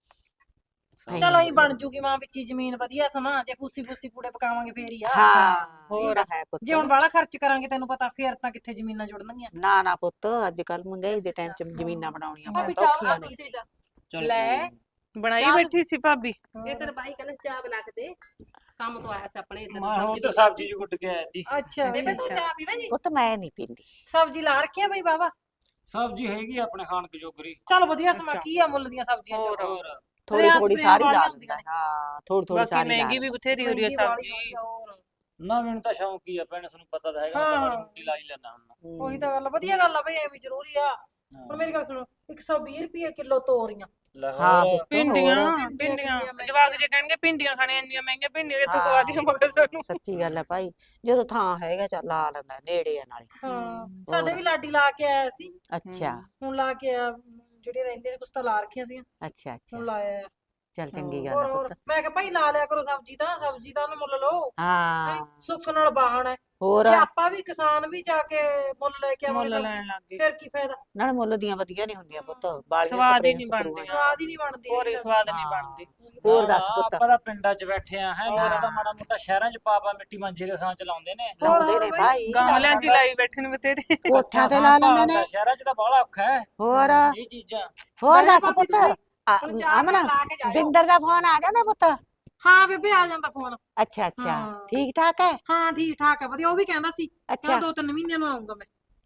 Speaker 3: ਸਹੀ
Speaker 5: ਚਲੋ
Speaker 3: ਗੱਲ
Speaker 5: ਅਸੀਂ
Speaker 3: ਹੈ।
Speaker 5: ਬਣ ਜੂਗੀ ਮਾਂ ਵਿੱਚ ਹੀ ਜ਼ਮੀਨ ਵਧੀਆ ਸਮਾਂ, ਜੇ ਫੂਸੀ ਫੂਸੀ ਪੂੜੇ ਪਕਾਵਾਂਗੇ ਫੇਰ ਹੀ ਆ।
Speaker 4: ਹਾਂ
Speaker 6: ਹੋਰ।
Speaker 4: ਇਹ ਤਾਂ ਹੈ ਪੁੱਤ।
Speaker 5: ਜੇ ਹੁਣ ਬਾਹਲਾ ਖਰਚ ਕਰਾਂਗੇ ਤੈਨੂੰ ਪਤਾ ਫੇਰ ਤਾਂ ਕਿੱਥੇ ਜ਼ਮੀਨਾਂ ਜੁੜਨਗੀਆਂ।
Speaker 4: ਨਾ ਨਾ ਪੁੱਤ, ਅੱਜ ਕੱਲ ਮਹਿੰਗਾਈ ਦੇ ਟਾਈਮ 'ਚ ਜ਼ਮੀਨਾਂ ਬਣਾਉਣੀਆਂ
Speaker 5: ਭਾਬੀ
Speaker 4: ਬਹੁਤ
Speaker 5: ਚਾਹ
Speaker 4: ਔਖੀਆਂ
Speaker 1: ਆ
Speaker 4: ਨੇ।
Speaker 1: ਤੁਸੀਂ ਜਾ।
Speaker 3: ਚੱਲ
Speaker 1: ਲੈ।
Speaker 3: ਕੋਈ ਨੀ।
Speaker 6: ਬਣਾਈ
Speaker 1: ਚੱਲ।
Speaker 6: ਬੈਠੀ ਸੀ ਭਾਬੀ।
Speaker 1: ਇਹ ਤੇਰੇ ਬਾਈ ਕਹਿੰਦੇ ਚਾਹ ਬਣਾ ਕੇ ਦੇ, ਕੰਮ ਤੋਂ ਆਇਆ ਸੀ ਆਪਣੇ ਇੱਧਰ।
Speaker 3: ਮੈਂ ਹੁਣ ਤੇ ਸਬਜ਼ੀ ਜੀ ਕੁੱਟ ਕੇ ਆਇਆ ਸੀ।
Speaker 5: ਅੱਛਾ
Speaker 1: ਬੇਬੇ ਤੂੰ
Speaker 6: ਅੱਛਾ।
Speaker 1: ਚਾਹ ਪੀਵੇਂ ਜੀ?
Speaker 4: ਪੁੱਤ ਮੈਂ ਨਹੀਂ ਪੀਂਦੀ।
Speaker 5: ਸਬਜ਼ੀ ਲਾ ਰੱਖਿਆ ਬਈ ਬਾਬਾ।
Speaker 3: ਸਬਜ਼ੀ ਹੈਗੀ ਆ ਆਪਣੇ ਖਾਣ ਜੋਗਰੀ।
Speaker 5: ਚਲ ਵਧੀਆ ਸਮਾਂ
Speaker 6: ਅੱਛਾ।
Speaker 5: ਕੀ ਆ ਮੁੱਲ ਦੀਆਂ ਸਬਜ਼ੀਆਂ ਚ।
Speaker 6: ਹੋਰ।
Speaker 3: ਹੋਰ
Speaker 4: ਥੋੜੀ
Speaker 5: ਰਿਆਸ
Speaker 4: ਥੋੜੀ
Speaker 5: ਵੀ
Speaker 4: ਸਾਰੀ ਲਾ
Speaker 5: ਵਾਲੀਆਂ
Speaker 4: ਦਿੰਦਾ। ਹਾਂ ਥੋੜੀ ਥੋੜੀ
Speaker 6: ਬਾਕੀ
Speaker 4: ਸਾਰੀ ਲਾ
Speaker 6: ਮਹਿੰਗੀ ਵੀ ਬਥੇਰੀ ਹੋ ਰਹੀ ਹੈ
Speaker 5: ਮਹਿੰਗੀ ਵਾਲੀ
Speaker 6: ਸਬਜ਼ੀ।
Speaker 5: ਹੋਈ ਆ, ਹੋਰ।
Speaker 3: ਨਾ ਮੈਨੂੰ ਤਾਂ ਸ਼ੌਂਕ ਹੀ ਆ ਭੈਣੇ, ਤੁਹਾਨੂੰ ਪਤਾ ਤਾਂ ਹੈਗਾ, ਮੈਂ ਤਾਂ
Speaker 5: ਹਾਂ।
Speaker 3: ਮਾੜੀ ਮੋਟੀ ਲਾ ਹੀ ਲੈਣਾ ਹੁੰਦਾ।
Speaker 4: ਦਿੰਦਾ।
Speaker 5: ਉਹੀ ਤਾਂ ਗੱਲ ਆ, ਵਧੀਆ ਗੱਲ ਆ ਬਈ, ਐਵੇਂ ਜ਼ਰੂਰੀ ਆ। ਹੁਣ ਮੇਰੀ ਗੱਲ ਸੁਣੋ, ਇੱਕ ਸੌ ਵੀਹ ਰੁਪਏ ਕਿਲੋ ਤੋਰੀਆਂ।
Speaker 3: ਲੈ
Speaker 4: ਹਾਂ
Speaker 3: ਹੋਰ।
Speaker 4: ਪੁੱਤ,
Speaker 6: ਭਿੰਡੀਆਂ
Speaker 4: ਹੋਰ।
Speaker 5: ਭਿੰਡੀਆਂ
Speaker 6: ਭਿੰਡੀਆਂ
Speaker 5: ਕਿੰਨੀਆਂ
Speaker 6: ਜਵਾਕ ਜੇ ਕਹਿਣਗੇ ਭਿੰਡੀਆਂ ਖਾਣੀਆਂ, ਇੰਨੀਆਂ ਮਹਿੰਗੀਆਂ ਭਿੰਡੀਆਂ ਕਿੱਥੋਂ
Speaker 4: ਹਾਂ।
Speaker 6: ਖਵਾ ਦੀਆਂ ਮਗਰ ਸਾਨੂੰ।
Speaker 4: ਸੱਚੀ ਗੱਲ ਹੈ ਭਾਈ, ਜਦੋਂ ਥਾਂ ਹੈਗਾ ਚੱਲ ਲਾ ਲੈਂਦਾ, ਨੇੜੇ ਆ ਨਾਲੇ।
Speaker 5: ਹਾਂ ਸਾਡੇ
Speaker 4: ਹੋਰ।
Speaker 5: ਵੀ ਲਾਡੀ ਲਾ ਕੇ ਆਇਆ ਸੀ,
Speaker 4: ਅੱਛਾ
Speaker 5: ਹੁਣ ਲਾ ਕੇ ਆਇਆ। ਜਿਹੜੇ ਰਹਿੰਦੇ ਸੀ ਕੁਛ ਤਾਂ ਲਾ ਰੱਖੀਆਂ ਸੀ,
Speaker 4: ਅੱਛਾ ਅੱਛਾ
Speaker 5: ਹੁਣ ਲਾਇਆ।
Speaker 4: ਚੱਲ ਚੰਗੀ ਗੱਲ
Speaker 5: ਹੋਰ
Speaker 4: ਹੈ
Speaker 5: ਹੋਰ
Speaker 4: ਪੁੱਤ।
Speaker 5: ਮੈਂ ਕਿਹਾ ਭਾਈ ਲਾ ਲਿਆ ਕਰੋ ਸਬਜ਼ੀ ਤਾਂ, ਸਬਜ਼ੀ ਦਾ ਉਹਨੂੰ ਮੁੱਲ ਲਓ। ਹੈਂ,
Speaker 4: ਹਾਂ
Speaker 5: ਸੁੱਖ ਨਾਲ ਬਾਹਣ ਹੈ।
Speaker 4: ਹੋਰ,
Speaker 5: ਜੇ ਆਪਾਂ ਵੀ ਕਿਸਾਨ ਵੀ ਜਾ ਕੇ ਮੁੱਲ ਲੈ ਕੇ ਆਵਾਂਗੇ
Speaker 6: ਮੁੱਲ ਲੈਣ
Speaker 5: ਸਬਜ਼ੀ,
Speaker 6: ਲੱਗ ਗਏ।
Speaker 5: ਫਿਰ ਕੀ ਫਾਇਦਾ।
Speaker 4: ਨਾਲੇ ਮੁੱਲ ਦੀਆਂ ਵਧੀਆ ਨਹੀਂ ਹੁੰਦੀਆਂ ਪੁੱਤ, ਬਾਲੀਆਂ
Speaker 6: ਸਵਾਦ ਹੀ
Speaker 4: ਸਪਰੇਆਂ
Speaker 6: ਨਹੀਂ
Speaker 4: ਸਪਰੂਆਂ
Speaker 6: ਬਣਦੀਆਂ।
Speaker 5: ਸਵਾਦ ਹੀ ਨਹੀਂ ਬਣਦੀ
Speaker 6: ਹੋਰ ਹੀ
Speaker 5: ਹੈਗੀ
Speaker 6: ਸਵਾਦ
Speaker 5: ਸਬਜ਼ੀ।
Speaker 6: ਨਹੀਂ
Speaker 4: ਹਾਂ।
Speaker 6: ਬਣਦੀ।
Speaker 4: ਹੋਰ
Speaker 3: ਨਾ,
Speaker 4: ਦੱਸ
Speaker 3: ਨਾ,
Speaker 4: ਪੁੱਤ।
Speaker 3: ਆਪਾਂ ਤਾਂ ਪਿੰਡਾਂ 'ਚ ਬੈਠੇ ਆ ਹੈ,
Speaker 6: ਹੋਰ।
Speaker 3: ਤਾਂ ਮਾੜਾ ਮੋਟਾ ਸ਼ਹਿਰਾਂ 'ਚ ਪਾਪਾ ਮਿੱਟੀ ਮਾਂਜੇ ਦੇ ਸਾਂ ਚਲਾਉਂਦੇ ਨੇ।
Speaker 5: ਹੋਰ,
Speaker 4: ਲਾਉਂਦੇ
Speaker 5: ਹੋਰ
Speaker 4: ਨੇ
Speaker 5: ਬਈ।
Speaker 4: ਭਾਈ,
Speaker 6: ਗਾਮਲਿਆਂ 'ਚ ਹੀ ਲਾਈ ਬੈਠੇ ਨੇ ਬਥੇਰੇ।
Speaker 4: ਕੋਠਿਆਂ ਤੇ
Speaker 3: ਥਾਂ
Speaker 4: ਲਾ ਲੈਂਦੇ
Speaker 3: ਭਾਲਦਾ,
Speaker 4: ਨੇ।
Speaker 3: ਸ਼ਹਿਰਾਂ 'ਚ ਤਾਂ ਬਾਹਲਾ ਔਖਾ ਹੈ
Speaker 4: ਹੋਰ
Speaker 3: ਇਹ ਚੀਜ਼ਾਂ।
Speaker 4: ਹੋਰ ਦੱਸ
Speaker 5: ਭਾਬੀ
Speaker 4: ਪੁੱਤ।
Speaker 5: ਤੁਸੀਂ
Speaker 4: ਆ-
Speaker 1: ਹੁਣ ਚਾਹ
Speaker 4: ਅਮਨ
Speaker 1: ਲਾ ਕੇ ਜਾਇਓ।
Speaker 4: ਬਿੰਦਰ ਦਾ ਫੋਨ ਆ ਜਾਂਦਾ ਪੁੱਤ?
Speaker 5: ਹਾਂ ਬੇਬੇ ਆ ਜਾਂਦਾ ਫੋਨ।
Speaker 4: ਅੱਛਾ ਅੱਛਾ
Speaker 5: ਹਾਂ।
Speaker 4: ਠੀਕ ਠਾਕ ਹੈ।
Speaker 5: ਹਾਂ ਠੀਕ ਠਾਕ ਹੈ ਵਧੀਆ, ਉਹ ਵੀ ਕਹਿੰਦਾ ਸੀ
Speaker 4: ਅੱਛਾ
Speaker 5: ਕਹਿੰਦਾ ਦੋ ਤਿੰਨ ਮਹੀਨਿਆਂ ਨੂੰ ਆਉਂਗਾ ਮੈਂ।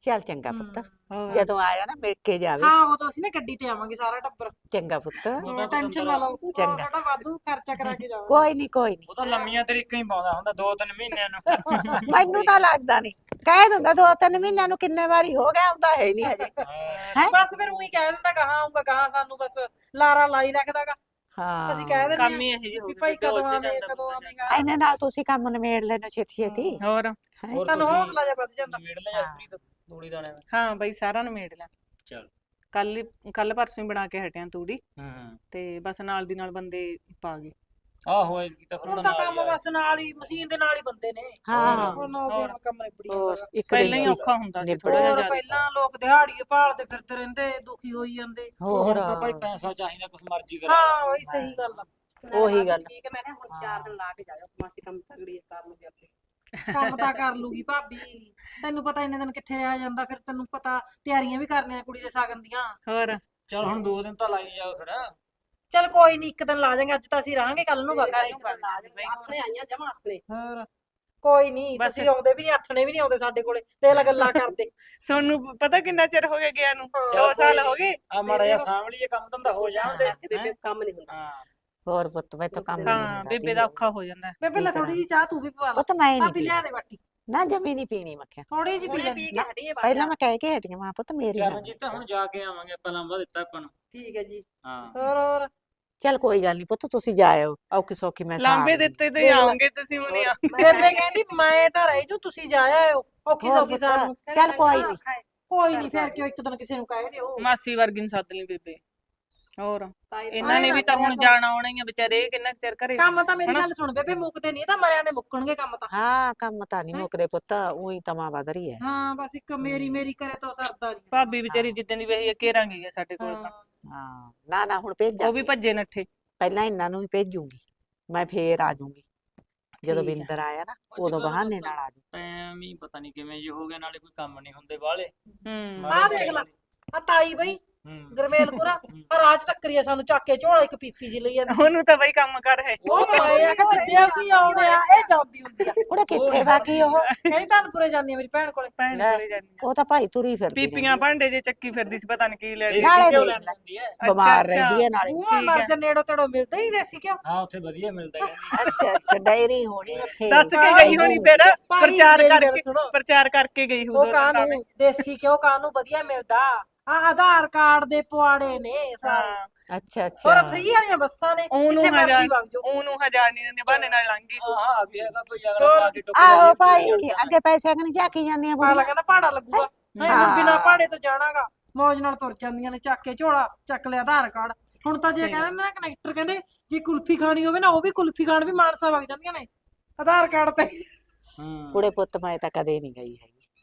Speaker 4: ਚੱਲ ਚੰਗਾ ਪੁੱਤ
Speaker 6: ਹੋਰ।
Speaker 4: ਜਦੋਂ ਆਇਆ ਨਾ ਮਿਲ ਕੇ ਜਾਵੇ
Speaker 5: ਹਾਂ ਉਹ ਤਾਂ ਅਸੀਂ ਨਾ ਗੱਡੀ ਤੇ ਆਵਾਂਗੇ ਸਾਰਾ ਟੱਬਰ
Speaker 4: ਚੰਗਾ ਪੁੱਤ
Speaker 3: ਉਹਦਾ
Speaker 5: ਟੈਨਸ਼ਨ ਨਾ ਲਓ
Speaker 4: ਚੰਗਾ।
Speaker 5: ਉਹ ਸਾਡਾ ਵਾਧੂ ਖਰਚਾ ਕਰਾ ਕੇ ਜਾਓ
Speaker 4: ਕੋਈ ਨਹੀਂ ਕੋਈ ਨਹੀਂ
Speaker 3: ਉਹ ਤਾਂ ਲੰਮੀਆਂ ਤਰੀਕਾਂ ਹੀ ਪਾਉਂਦਾ ਹੁੰਦਾ ਦੋ ਤਿੰਨ ਮਹੀਨਿਆਂ ਨੂੰ
Speaker 4: ਮੈਨੂੰ ਤਾਂ ਲੱਗਦਾ ਨਹੀਂ ਕਹਿ ਦਿੰਦਾ ਦੋ ਤਿੰਨ ਮਹੀਨਿਆਂ ਨੂੰ ਕਿੰਨੇ ਵਾਰੀ ਹੋ ਗਿਆ ਹੁੰਦਾ ਹੈ ਨਹੀਂ ਹਜੇ
Speaker 3: ਹਾਂ।
Speaker 4: ਹੈਂ?
Speaker 5: ਬਸ ਫਿਰ ਉਹੀ ਕਹਿ ਦਿੰਦਾ ਕਹਾਂ ਆਉਂਗਾ ਕਹਾਂ ਸਾਨੂੰ ਬਸ ਲਾਰਾ ਲਾਈ ਰੱਖਦਾਗਾ
Speaker 4: ਹਾਂ
Speaker 5: ਅਸੀਂ ਕਹਿ ਦਿੰਦੇ
Speaker 6: ਕੰਮ
Speaker 5: ਹਾਂ
Speaker 6: ਹੀ ਇਹੋ ਜਿਹੇ ਹੋ
Speaker 5: ਵੀ
Speaker 6: ਗਏ
Speaker 5: ਭਾਈ
Speaker 6: ਬੇਬੇ,
Speaker 5: ਕਦੋਂ
Speaker 6: ਉੱਚ
Speaker 5: ਆਵੇਂ
Speaker 6: ਜਾਂਦਾ
Speaker 5: ਕਦੋਂ
Speaker 6: ਬੰਦਾ
Speaker 5: ਆਵੇਂਗਾ
Speaker 4: ਇਹਨੇ ਨਾਲ ਤੁਸੀਂ ਕੰਮ ਨਿਮੇੜ ਲੈਣਾ ਛੇਤੀ ਛੇਤੀ
Speaker 6: ਹੋਰ
Speaker 4: ਹੈਂ?
Speaker 3: ਹੋਰ
Speaker 5: ਸਾਨੂੰ
Speaker 3: ਤੁਸੀਂ
Speaker 5: ਹੌਸਲਾ ਜਿਹਾ ਵੱਧ ਜਾਂਦਾ
Speaker 3: ਨਿਬੇੜ ਲਿਆ ਜਸਪ੍ਰੀਤ ਤੂੜੀ ਦਾਣੇ ਦਾ
Speaker 6: ਹਾਂ ਬਈ ਸਾਰਾ ਨਿਮੇੜ ਲਿਆ
Speaker 3: ਚਲ
Speaker 6: ਕੱਲ ਕੱਲ ਪਰਸੋਂ ਹੀ ਬਣਾ ਕੇ ਹਟਿਆ ਤੂੜੀ
Speaker 3: ਹੂੰ
Speaker 6: ਤੇ ਬਸ ਨਾਲ ਦੀ ਨਾਲ ਬੰਦੇ ਪਾ ਗਏ
Speaker 3: ਆਹੋ ਇਹ ਕੀ ਤਾਂ ਫਿਰ
Speaker 5: ਹੁਣ
Speaker 3: ਉਹਨਾਂ
Speaker 5: ਤਾਂ
Speaker 3: ਨਾਲ
Speaker 5: ਕੰਮ
Speaker 3: ਹੀ ਆ।
Speaker 5: ਬਸ ਨਾਲ ਹੀ ਮਸ਼ੀਨ ਦੇ ਨਾਲ ਹੀ ਬੰਦੇ ਨੇ
Speaker 4: ਹਾਂ
Speaker 5: ਹੁਣ ਨਾਲ ਦੀ ਨਾਲ ਕੰਮ ਨਿਬੜੀ
Speaker 4: ਹੋਰ
Speaker 5: ਜਾਂਦਾ
Speaker 4: ਇੱਕ
Speaker 6: ਪਹਿਲਾਂ ਹੀ
Speaker 4: ਦਿਨ
Speaker 6: ਔਖਾ ਹੁੰਦਾ ਸੀ
Speaker 4: ਨਿਬੜ
Speaker 6: ਥੋੜਾ ਜਿਹਾ
Speaker 5: ਹੋਰ
Speaker 6: ਜ਼ਿਆਦਾ
Speaker 5: ਪਹਿਲਾਂ ਲੋਕ ਦਿਹਾੜੀਏ ਭਾਲਦੇ ਫਿਰਦੇ ਰਹਿੰਦੇ ਦੁਖੀ ਹੋਈ ਜਾਂਦੇ
Speaker 4: ਹੋਰ
Speaker 3: ਹੁਣ ਤਾਂ ਭਾਈ ਪੈਸਾ ਚਾਹੀਦਾ ਕੁਛ ਮਰਜ਼ੀ ਕਰਾ
Speaker 5: ਹਾਂ ਉਹੀ ਸਹੀ ਗੱਲ ਆ
Speaker 4: ਉਹੀ ਗੱਲ।
Speaker 1: ਠੀਕ ਹੈ ਮੈਂ ਕਿਹਾ ਹੁਣ ਚਾਰ ਦਿਨ ਲਾ ਕੇ ਜਾਇਓ ਮਾਸੀ ਕੰਮ ਤਗੜੀ ਕਰ ਲੂਗੀ ਆਪੇ
Speaker 5: ਕੰਮ ਤਾਂ ਕਰ ਲੂਗੀ ਭਾਬੀ ਤੈਨੂੰ ਪਤਾ ਇੰਨੇ ਦਿਨ ਕਿੱਥੇ ਰਿਹਾ ਜਾਂਦਾ ਫਿਰ ਤੈਨੂੰ ਪਤਾ ਤਿਆਰੀਆਂ ਵੀ ਕਰਨੀਆਂ ਕੁੜੀ ਦੇ ਸਾਗਨ ਦੀਆਂ
Speaker 6: ਹੋਰ
Speaker 3: ਚਲ ਹੁਣ ਦੋ ਦਿਨ ਤਾਂ ਲਾਈ ਜਾਓ ਫਿਰ
Speaker 5: ਚੱਲ ਕੋਈ ਨਹੀਂ ਇੱਕ ਦਿਨ ਲਾ ਜਾਾਂਗੇ ਅੱਜ ਤਾਂ ਅਸੀਂ ਰਹਾਂਗੇ ਕੱਲ ਨੂੰ ਵਗ
Speaker 1: ਕੱਲ ਨੂੰ ਆਥਣੇ ਆਈਆਂ ਜਮਾ ਆਥਣੇ
Speaker 5: ਹੋਰ ਕੋਈ ਨਹੀਂ
Speaker 6: ਬਸ।
Speaker 5: ਤੁਸੀਂ ਆਉਂਦੇ ਵੀ ਨਹੀਂ ਆਥਣੇ ਵੀ ਨਹੀਂ ਆਉਂਦੇ ਸਾਡੇ ਕੋਲੇ ਤੇ ਇਹ ਗੱਲਾਂ ਕਰਦੇ
Speaker 6: ਸੋਨੂੰ ਪਤਾ ਕਿੰਨਾ ਚਿਰ ਹੋ ਗਿਆ ਗਿਆ ਨੂੰ
Speaker 3: ਚੱਲ
Speaker 6: ਦੋ ਸਾਲ
Speaker 3: ਕੋਈ
Speaker 6: ਹੋ ਗਏ
Speaker 3: ਆ ਮਾੜਾ ਜਿਹਾ ਸਾਂਭ ਲਈਏ ਕੰਮ ਧੰਦਾ ਹੋ ਜਾਣ ਦੇ
Speaker 1: ਬੇਬੇ ਕੰਮ ਨਹੀਂ ਹੁੰਦਾ
Speaker 3: ਹਾਂ
Speaker 4: ਹੋਰ ਪੁੱਤ ਮੈਂ ਤਾਂ ਕੰਮ ਨਹੀਂ
Speaker 6: ਹਾਂ
Speaker 4: ਹੁੰਦਾ
Speaker 6: ਬੇਬੇ ਦਾ ਔਖਾ ਹੋ ਜਾਂਦਾ
Speaker 5: ਮੈਂ ਪਹਿਲਾਂ ਥੋੜੀ ਜਿਹੀ ਚਾਹ ਤੂੰ ਵੀ ਪਵਾ ਲਾ
Speaker 4: ਪੁੱਤ ਮੈਂ ਨਹੀਂ
Speaker 5: ਭਾਬੀ
Speaker 4: ਪੀ
Speaker 5: ਲਿਆ ਦੇ ਬਾਟੀ
Speaker 4: ਨਾ ਜਮੀ ਨਹੀਂ ਪੀਣੀ ਮੱਖਿਆ
Speaker 5: ਥੋੜੀ ਜਿਹੀ ਪੀ
Speaker 1: ਹੁਣੇ
Speaker 5: ਲੈ
Speaker 1: ਪੀ ਕੇ ਹਟੀਏ ਬਾਅਦ
Speaker 4: ਪਹਿਲਾਂ ਮੈਂ ਕਹਿ ਕੇ ਹਟੀਆਂ ਮਾਂ ਪੁੱਤ ਮੇਰੀ ਨਾ।
Speaker 3: ਚਰਨਜੀਤ ਹੁਣ ਜਾ ਕੇ ਆਵਾਂਗੇ ਆਪਾਂ ਲੰਬਾ ਦਿੱਤਾ ਆਪਾਂ ਨੂੰ
Speaker 1: ਠੀਕ ਹੈ ਜੀ
Speaker 3: ਹਾਂ
Speaker 5: ਹੋਰ ਹੋਰ
Speaker 4: ਚੱਲ ਕੋਈ ਗੱਲ ਨਹੀਂ ਪੁੱਤ ਤੁਸੀਂ ਜਾਇਓ ਔਖੀ ਸੌਖੀ ਮੈਂ ਸਾਰ
Speaker 6: ਲਾਂਬੇ
Speaker 4: ਲੂੰਗੀ।
Speaker 6: ਦਿੱਤੇ ਤੇ ਆਉਂਗੇ ਤੁਸੀਂ ਹੁਣ ਆ
Speaker 5: ਬੇਬੇ ਕਹਿੰਦੀ ਮੈਂ ਤਾਂ ਰਹਿ ਜੂ ਤੁਸੀਂ ਜਾ ਆਇਓ ਔਖੀ
Speaker 4: ਹੋਰ
Speaker 5: ਸੌਖੀ ਸਾਰ ਨੂੰ
Speaker 4: ਪੁੱਤ, ਚੱਲ ਕੋਈ ਨਹੀਂ
Speaker 5: ਕੋਈ ਨਹੀਂ ਫਿਰ ਕਿਉਂ ਇੱਕ ਦਿਨ ਕਿਸੇ ਨੂੰ ਕਹਿ ਦਿਓ
Speaker 6: ਮਾਸੀ ਵਰਗੀ ਨੂੰ ਸੱਦ ਲਈ ਬੇਬੇ ਹੋਰ
Speaker 1: ਤਾਈ ਤਾਂ
Speaker 6: ਇਹਨਾਂ ਨੇ ਵੀ ਤਾਂ ਹੁਣ ਜਾਣਾ ਆਉਣਾ ਹੀ ਆ ਵਿਚਾਰੇ ਇਹ ਕਿੰਨਾ ਕੁ ਚਿਰ ਘਰੇ
Speaker 5: ਕੰਮ ਤਾਂ ਮੇਰੀ
Speaker 6: ਹਨਾ?
Speaker 5: ਗੱਲ ਸੁਣ ਬੇਬੇ ਮੁੱਕਦੇ ਨਹੀਂ ਤਾਂ ਮਰਿਆਂ ਦੇ ਮੁੱਕਣਗੇ ਕੰਮ ਤਾਂ
Speaker 4: ਹਾਂ ਕੰਮ ਤਾਂ ਨਹੀਂ
Speaker 5: ਹੈਂ?
Speaker 4: ਮੁੱਕਦੇ ਪੁੱਤ ਉਹੀ ਤਮਾ ਵਧ ਰਹੀ ਹੈ
Speaker 5: ਹਾਂ ਬਸ ਇੱਕ ਮੇਰੀ ਮੇਰੀ ਕਰੇ ਤਾਂ ਸਰਦਾ ਨਹੀਂ
Speaker 6: ਭਾਬੀ ਵਿਚਾਰੀ ਜਿੱਦਣ ਦੀ ਵੇਹੀ ਘੇਰਾਂਗੇ ਗਿਆ ਸਾਡੇ ਕੋਲ ਤਾਂ
Speaker 4: ਹਾਂ ਨਾ ਨਾ ਹੁਣ
Speaker 6: ਉਹ
Speaker 4: ਭੇਜਾਂ
Speaker 6: ਵੀ ਭੱਜੇ ਨੱਠੇ
Speaker 4: ਪਹਿਲਾਂ ਇਹਨਾਂ ਨੂੰ ਵੀ ਭੇਜੂਗੀ ਮੈਂ ਫੇਰ ਆ ਜਾਊਂਗੀ ਜਦੋਂ
Speaker 6: ਠੀਕ ਆ।
Speaker 4: ਬਿੰਦਰ ਆਇਆ ਨਾ
Speaker 3: ਅੱਜ
Speaker 4: ਉਦੋਂ
Speaker 3: ਕੱਲ੍ਹ
Speaker 4: ਬਹਾਨੇ
Speaker 3: ਬਸ
Speaker 4: ਨਾਲ ਆ ਜਾਊਂ।
Speaker 3: ਟਾਈਮ ਹੀ ਪਤਾ ਨਹੀਂ ਕਿਵੇਂ ਜੇ ਹੋ ਗਿਆ ਨਾਲੇ ਕੋਈ ਕੰਮ ਨਹੀਂ ਹੁੰਦੇ ਵਾਲੇ
Speaker 6: ਹੂੰ
Speaker 5: ਆਹ ਦੇਖ ਲੈ ਆ ਤਾਈ ਬਈ
Speaker 3: ਹੂੰ
Speaker 5: ਗਰਮੇਲਪੁਰਾ ਆ ਰਾਜ ਟੱਕਰੀ ਆ ਸਾਨੂੰ ਚੱਕ ਕੇ ਝੋਲਾ ਇੱਕ ਪੀਪੀ ਜੀ ਲਈ ਜਾਂਦੀ
Speaker 6: ਉਹਨੂੰ ਤਾਂ ਬਈ ਕੰਮ ਕਰ ਹੈ
Speaker 5: ਉਹ ਪਾਏ ਆ ਕਿ ਜਿੱਦੇ ਅਸੀਂ ਆਉਣੇ ਆ ਇਹ ਜਾਂਦੀ ਹੁੰਦੀ ਆ
Speaker 4: ਕੁੜੇ ਕਿੱਥੇ ਬਾਕੀ ਉਹ
Speaker 5: ਕਹਿੰਦੀ ਧਨਪੁਰੇ ਜਾਂਦੀ ਆ ਮੇਰੀ ਭੈਣ ਕੋਲੇ
Speaker 6: ਭੈਣ
Speaker 4: ਲੈ।
Speaker 6: ਕੋਲੇ ਜਾਂਦੀ ਆ।
Speaker 4: ਉਹ ਤਾਂ ਭਾਈ ਤੁਰੀ ਫਿਰਦੀ
Speaker 6: ਪੀਪੀਆਂ ਭਾਂਡੇ ਜੇ ਚੱਕੀ ਫਿਰਦੀ ਸੀ ਪਤਾ ਨਹੀਂ ਕੀ ਲੈਣੀ
Speaker 3: ਦੇਸੀ
Speaker 4: ਨਾਲੇ
Speaker 3: ਘਿਓ
Speaker 4: ਦੇਖ
Speaker 3: ਲੈਣ
Speaker 4: ਲੈ।
Speaker 3: ਜਾਂਦੀ ਹੈ
Speaker 4: ਰਹਿੰਦੀ। ਬਿਮਾਰ
Speaker 6: ਅੱਛਾ,
Speaker 4: ਰਹਿੰਦੀ ਹੈ ਨਾਲੇ
Speaker 5: ਬੂਹਾ
Speaker 6: ਠੀਕ
Speaker 5: ਮਰ
Speaker 6: ਆ।
Speaker 5: ਜਾ ਨੇੜੋ ਤੇੜੋ ਮਿਲਦਾ ਹੀ ਦੇਸੀ ਕਿਉਂ
Speaker 3: ਹਾਂ ਉੱਥੇ ਵਧੀਆ ਮਿਲਦਾ ਕਹਿੰਦੀ
Speaker 4: ਅੱਛਾ ਅੱਛਾ ਡਾਇਰੀ ਹੋਣੀ ਉੱਥੇ
Speaker 6: ਦੱਸ ਕੇ ਗਈ ਹੋਣੀ ਫਿਰ
Speaker 5: ਭਾਈ
Speaker 6: ਪ੍ਰਚਾਰ
Speaker 5: ਮੇਰੀ ਗੱਲ
Speaker 6: ਕਰਕੇ
Speaker 5: ਸੁਣੋ।
Speaker 6: ਪ੍ਰਚਾਰ ਕਰਕੇ ਗਈ
Speaker 5: ਉਹ
Speaker 6: ਉਦੋਂ ਤਾਂ
Speaker 5: ਕਾਨੂੰ ਦੇਸੀ ਕਿਉਂ ਕਾਨੂੰ ਵਧੀਆ ਮਿਲਦਾ ਆ ਆਧਾਰ ਕਾਰਡ ਦੇ ਪੁਆੜੇ ਨੇ ਸਾਰੇ
Speaker 6: ਹਾਂ
Speaker 4: ਅੱਛਾ ਅੱਛਾ
Speaker 5: ਹੋਰ ਫ੍ਰੀ ਵਾਲੀਆਂ ਬੱਸਾਂ ਨੇ
Speaker 6: ਉਹਨੂੰ
Speaker 5: ਜਿੱਥੇ ਮਰਜ਼ੀ
Speaker 6: ਹਜ਼ਾਰ
Speaker 5: ਵਗ ਜਾਓ
Speaker 6: ਉਹਨੂੰ ਹਜ਼ਾਰ ਨਹੀਂ ਦਿੰਦੇ ਬਹਾਨੇ ਨਾਲ ਲੰਘ ਗਈ
Speaker 3: ਹਾਂ ਹਾਂ ਵੀ ਹੈਗਾ ਭਈ ਅਗਲਾ
Speaker 5: ਹੋਰ।
Speaker 3: ਪਾ ਕੇ ਟੁੱਕ
Speaker 4: ਆਹੋ ਭਾਈ ਅੱਗੇ ਪੈਸੇ ਕਿ ਨਹੀਂ ਝਾਕੀ ਜਾਂਦੀਆਂ
Speaker 5: ਪਾਲਾ
Speaker 4: ਬੁੜੀਆਂ
Speaker 5: ਕਹਿੰਦਾ ਭਾੜਾ ਲੱਗੂਗਾ ਨਹੀਂ ਹੁਣ
Speaker 4: ਹਾਂ।
Speaker 5: ਬਿਨਾ ਭਾੜੇ ਤੋਂ ਜਾਣਾਗਾ ਮੌਜ ਨਾਲ ਤੁਰ ਜਾਂਦੀਆਂ ਨੇ ਚੱਕ ਕੇ ਝੋਲਾ ਚੱਕ ਲਿਆ ਆਧਾਰ ਕਾਰਡ ਹੁਣ ਤਾਂ ਜੇ
Speaker 6: ਸਹੀ
Speaker 5: ਕਹਿੰਦੇ ਨਾ ਕਨੈਕਟਰ ਕਹਿੰਦੇ ਜੇ ਕੁਲਫੀ ਖਾਣੀ ਹੋਵੇ ਨਾ ਉਹ ਵੀ ਕੁਲਫੀ ਖਾਣ ਵੀ ਮਾਨਸਾ ਵਗ ਜਾਂਦੀਆਂ ਨੇ ਆਧਾਰ ਕਾਰਡ ਤੇ
Speaker 3: ਹੂੰ
Speaker 4: ਕੁੜੇ ਪੁੱਤ ਮੈਂ ਤਾਂ ਕਦੇ ਨਹੀਂ ਗਈ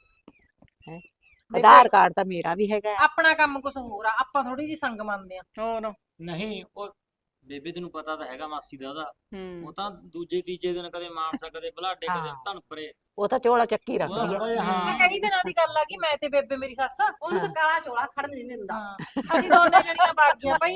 Speaker 4: ਹੈਗੀ ਹੈ ਆਧਾਰ ਕਾਰਡ ਤਾਂ ਮੇਰਾ ਵੀ ਹੈਗਾ ਹੈ।
Speaker 5: ਆਪਣਾ ਕੰਮ ਕੁਝ ਹੋਰ ਆ ਆਪਾਂ ਥੋੜੀ ਜੀ ਸੰਗ ਮੰਨਦੇ ਆ
Speaker 6: ਹੋਰ
Speaker 3: ਨਹੀਂ ਉਹ ਬੇਬੇ ਤੈਨੂੰ ਪਤਾ ਤਾਂ ਹੈਗਾ ਮਾਸੀ ਦਾ ਉਹਦਾ
Speaker 6: ਹੂੰ
Speaker 3: ਉਹ ਤਾਂ ਦੂਜੇ ਤੀਜੇ ਦਿਨ ਕਦੇ ਮਾਨਸਾ ਕਦੇ ਬਲਾਡੇ ਕਦੇ
Speaker 4: ਹਾਂ।
Speaker 3: ਧਨਪਰੇ
Speaker 4: ਉਹ ਤਾਂ ਚੋਲਾ ਚੱਕੀ
Speaker 3: ਉਹਦਾ
Speaker 4: ਰੱਖਦੀ
Speaker 3: ਥੋੜਾ
Speaker 4: ਹੈ
Speaker 3: ਜਿਹਾ
Speaker 5: ਮੈਂ
Speaker 3: ਹਾਂ
Speaker 5: ਕਈ ਦਿਨਾਂ ਦੀ ਗੱਲ ਆ ਕਿ ਮੈਂ ਤੇ ਬੇਬੇ ਮੇਰੀ ਸੱਸ
Speaker 1: ਉਹਨੂੰ ਤਾਂ ਕਾਲਾ ਚੋਲਾ ਖੜਨ ਨਹੀਂ ਦਿੰਦਾ
Speaker 5: ਹਾਂ ਅਸੀਂ ਦੋਨੇ ਜਣੀਆਂ ਬਾਗੀਆਂ ਭਾਈ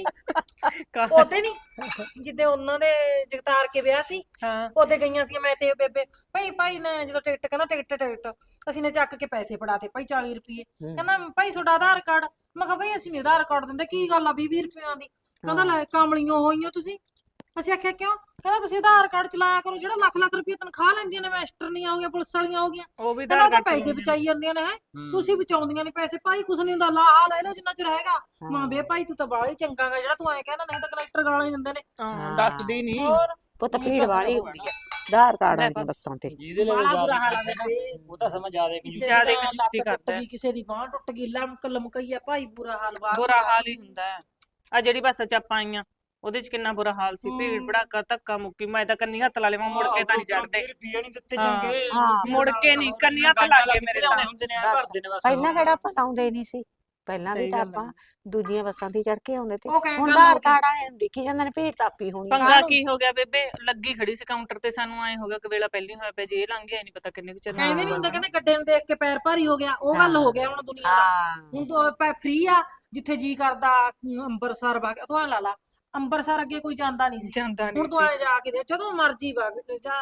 Speaker 5: ਉਹਦੇ ਨਹੀਂ ਜਿੱਦੇ ਉਹਨਾਂ ਦੇ ਜਗਤਾਰ ਕੇ ਵਿਆਹ ਸੀ
Speaker 6: ਹਾਂ
Speaker 5: ਉਹਦੇ ਗਈਆਂ ਸੀ ਮੈਂ ਤੇ ਬੇਬੇ ਭਾਈ ਭਾਈ ਨੇ ਜਦੋਂ ਟਿਕਟ ਕਹਿੰਦਾ ਟਿਕਟ ਟਿਕਟ ਅਸੀਂ ਨੇ ਚੱਕ ਕੇ ਪੈਸੇ ਫੜਾਤੇ ਭਾਈ ਚਾਲੀ ਰੁਪਏ ਕਹਿੰਦਾ ਭਾਈ ਤੁਹਾਡਾ ਆਧਾਰ ਕਾਰਡ ਮੈਂ ਕਿਹਾ ਭਾਈ ਅਸੀਂ ਨਹੀਂ ਆਧਾਰ ਕਾਰਡ ਦਿੰਦੇ ਕੀ ਗੱਲ ਆ ਵੀਹ ਵੀਹ ਰੁਪਈਆਂ ਦੀ ਕਹਿੰਦਾ ਲੈ ਕਾਮਲੀਆਂ ਹੋਈਆਂ ਤੁਸੀਂ ਅਸੀਂ ਆਖਿਆ ਕਿਉਂ ਕਹਿੰਦਾ ਤੁਸੀਂ ਆਧਾਰ ਕਾਰਡ ਚਲਾਇਆ ਕਰੋ ਜਿਹੜਾ ਲੱਖ ਲੱਖ ਰੁਪਏ ਤਨਖਾਹ ਲੈਂਦੀਆਂ ਨੇ ਮਾਸਟਰਨੀਆਂ ਹੋ ਗਈਆਂ ਪੁਲਿਸ ਵਾਲੀਆਂ ਹੋ ਗਈਆਂ
Speaker 6: ਉਹ ਵੀ
Speaker 5: ਕਹਿੰਦਾ
Speaker 6: ਆਧਾਰ
Speaker 5: ਉਹ ਤਾਂ
Speaker 6: ਕਾਰਡ
Speaker 5: ਪੈਸੇ ਬਚਾਈ ਜਾਂਦੀਆਂ ਨੇ ਹੈ
Speaker 3: ਹੂੰ।
Speaker 5: ਤੁਸੀਂ ਬਚਾਉਂਦੀਆਂ ਨੇ ਪੈਸੇ ਭਾਈ ਕੁਛ ਨਹੀਂ ਹੁੰਦਾ ਲਾ ਆ ਲੈ ਲਓ ਜਿੰਨਾ ਚਿਰ ਹੈਗਾ ਮਾਂ ਬੇ ਭਾਈ ਤੂੰ ਤਾਂ ਬਾਹਲਾ ਹੀ ਚੰਗਾ ਗਾ ਜਿਹੜਾ ਤੂੰ ਐ ਕਹਿੰਦਾ ਨਹੀਂ ਤਾਂ ਕਨੈਕਟਰ ਗਾਲਾਂ ਹੀ ਦਿੰਦੇ ਨੇ
Speaker 6: ਹਾਂ ਦੱਸਦੀ ਨਹੀਂ
Speaker 5: ਹੋਰ
Speaker 4: ਪੁੱਤ ਭੀੜ ਵਾਲੀ ਹੁੰਦੀ ਹੈ ਆਧਾਰ ਕਾਰਡ ਵਾਲੀਆਂ ਬੱਸਾਂ ਤੇ
Speaker 3: ਜਿਹਦੇ ਲਈ
Speaker 5: ਬਾਹਲਾ ਬੁਰਾ ਹਾਲ
Speaker 3: ਜ਼ਿਆਦਾ
Speaker 5: ਆ ਬੇਬੇ।
Speaker 3: ਉਹ ਤਾਂ ਸਮਝ ਜ਼ਿਆਦਾ ਕਿ
Speaker 5: ਕਿਸੇ
Speaker 6: ਜ਼ਿਆਦੇ
Speaker 5: ਦੀ ਤਾਂ
Speaker 6: ਕੰਜੂਸੀ
Speaker 5: ਲੱਤ ਟੁੱਟ
Speaker 6: ਕਰਦਾ ਹੈ।
Speaker 5: ਗਈ ਕਿਸੇ ਦੀ ਬਾਂਹ ਟੁੱਟ ਗਈ ਲਮਕ ਲਮਕਈਆ ਭਾਈ ਬੁਰਾ ਹਾਲ ਬਾਹਰ
Speaker 6: ਬੁਰਾ ਹਾਲ ਹੀ ਹੁੰਦਾ ਹੈ ਆ ਜਿਹੜੀ ਬੱਸ ਚ ਆਪਾਂ ਆਈਆਂ ਉਹਦੇ ਚ ਕਿੰਨਾ ਬੁਰਾ ਹਾਲ ਸੀ ਭੀੜ ਭੜਾਕਾ ਧੱਕਾ ਮੁੱਕੀ ਮੈਂ ਤਾਂ ਕੰਨੀ ਹੱਥ ਲਾ ਲਵਾਂ ਮੁੜ ਕੇ ਤਾਂ ਨਹੀਂ ਚੜਦੇ
Speaker 3: ਰੁਪਏ ਨਹੀਂ ਦਿੱਤੇ
Speaker 6: ਹਾਂ।
Speaker 3: ਚੰਗੇ
Speaker 4: ਹਾਂ।
Speaker 6: ਮੁੜ ਕੇ ਨਹੀਂ ਕੰਨੀ ਹੱਥ ਲੱਗ ਗਏ ਮੇਰੇ ਤਾਂ
Speaker 3: ਹੁੰਦੇ ਨੇ ਐਂ
Speaker 4: ਬਸ।
Speaker 3: ਭਰਦੇ ਨੇ ਬਸ
Speaker 4: ਪਹਿਲਾਂ ਕਿਹੜਾ ਆਪਾਂ ਲਾਉਂਦੇ ਨਹੀਂ ਸੀ ਪਹਿਲਾਂ ਵੀ
Speaker 6: ਸਹੀ
Speaker 4: ਤਾਂ
Speaker 6: ਗੱਲ
Speaker 4: ਆਪਾਂ ਦੂਜੀਆਂ ਬੱਸਾਂ ਤੇ ਚੜ ਕੇ ਆਉਂਦੇ ਤੇ
Speaker 5: ਉਹ ਕਹਿ
Speaker 4: ਹੁਣ
Speaker 5: ਗੱਲ
Speaker 4: ਆਧਾਰ
Speaker 5: ਹੋ ਗਈ।
Speaker 4: ਕਾਰਡ ਵਾਲੇ ਨੂੰ ਦੇਖੀ ਜਾਂਦੇ ਨੇ ਭੀੜ ਤਾਪੀ ਹੋਣੀ ਹੈ।
Speaker 6: ਪੰਗਾ ਕੀ ਹੋ ਗਿਆ ਬੇਬੇ ਲੱਗੀ ਖੜੀ ਸੀ ਕਾਊਂਟਰ ਤੇ ਸਾਨੂੰ ਐ ਹੋ ਗਿਆ ਕਿ ਵੇਲਾ ਪਹਿਲੀ ਹੋਇਆ ਪਿਆ ਜੇ ਇਹ ਲੰਘ ਗਿਆ ਨਹੀਂ ਪਤਾ ਕਿੰਨੇ ਕੁ ਚਿਰ
Speaker 5: ਕਹਿੰਦੇ ਨਹੀਂ ਹੁੰਦਾ ਕਹਿੰਦੇ ਗੱਡੇ ਨੂੰ ਦੇਖ ਕੇ ਪੈਰ ਭਾਰੀ ਹੋ ਗਿਆ ਉਹ ਗੱਲ ਹੋ ਗਿਆ ਹੁਣ ਦੁਨੀਆ ਦਾ
Speaker 4: ਹਾਂ
Speaker 5: ਹੁਣ ਤਾਂ ਫ੍ਰੀ ਆ ਜਿੱਥੇ ਜੀ ਕਰਦਾ ਅਮ, ਅੰਬਰਸਰ ਵਗ ਤੂੰ ਐ ਲਾ ਲਾ ਅੰਬਰਸਰ ਅੱਗੇ ਕੋਈ ਜਾਂਦਾ ਨਹੀਂ ਸੀ
Speaker 6: ਜਾਂਦਾ
Speaker 5: ਹੁਣ
Speaker 6: ਨਹੀਂ
Speaker 5: ਤੂੰ
Speaker 6: ਸੀ
Speaker 5: ਐ ਜਾ ਕੇ ਦੇ ਜਦੋਂ ਮਰਜੀ ਵਗ ਜਾ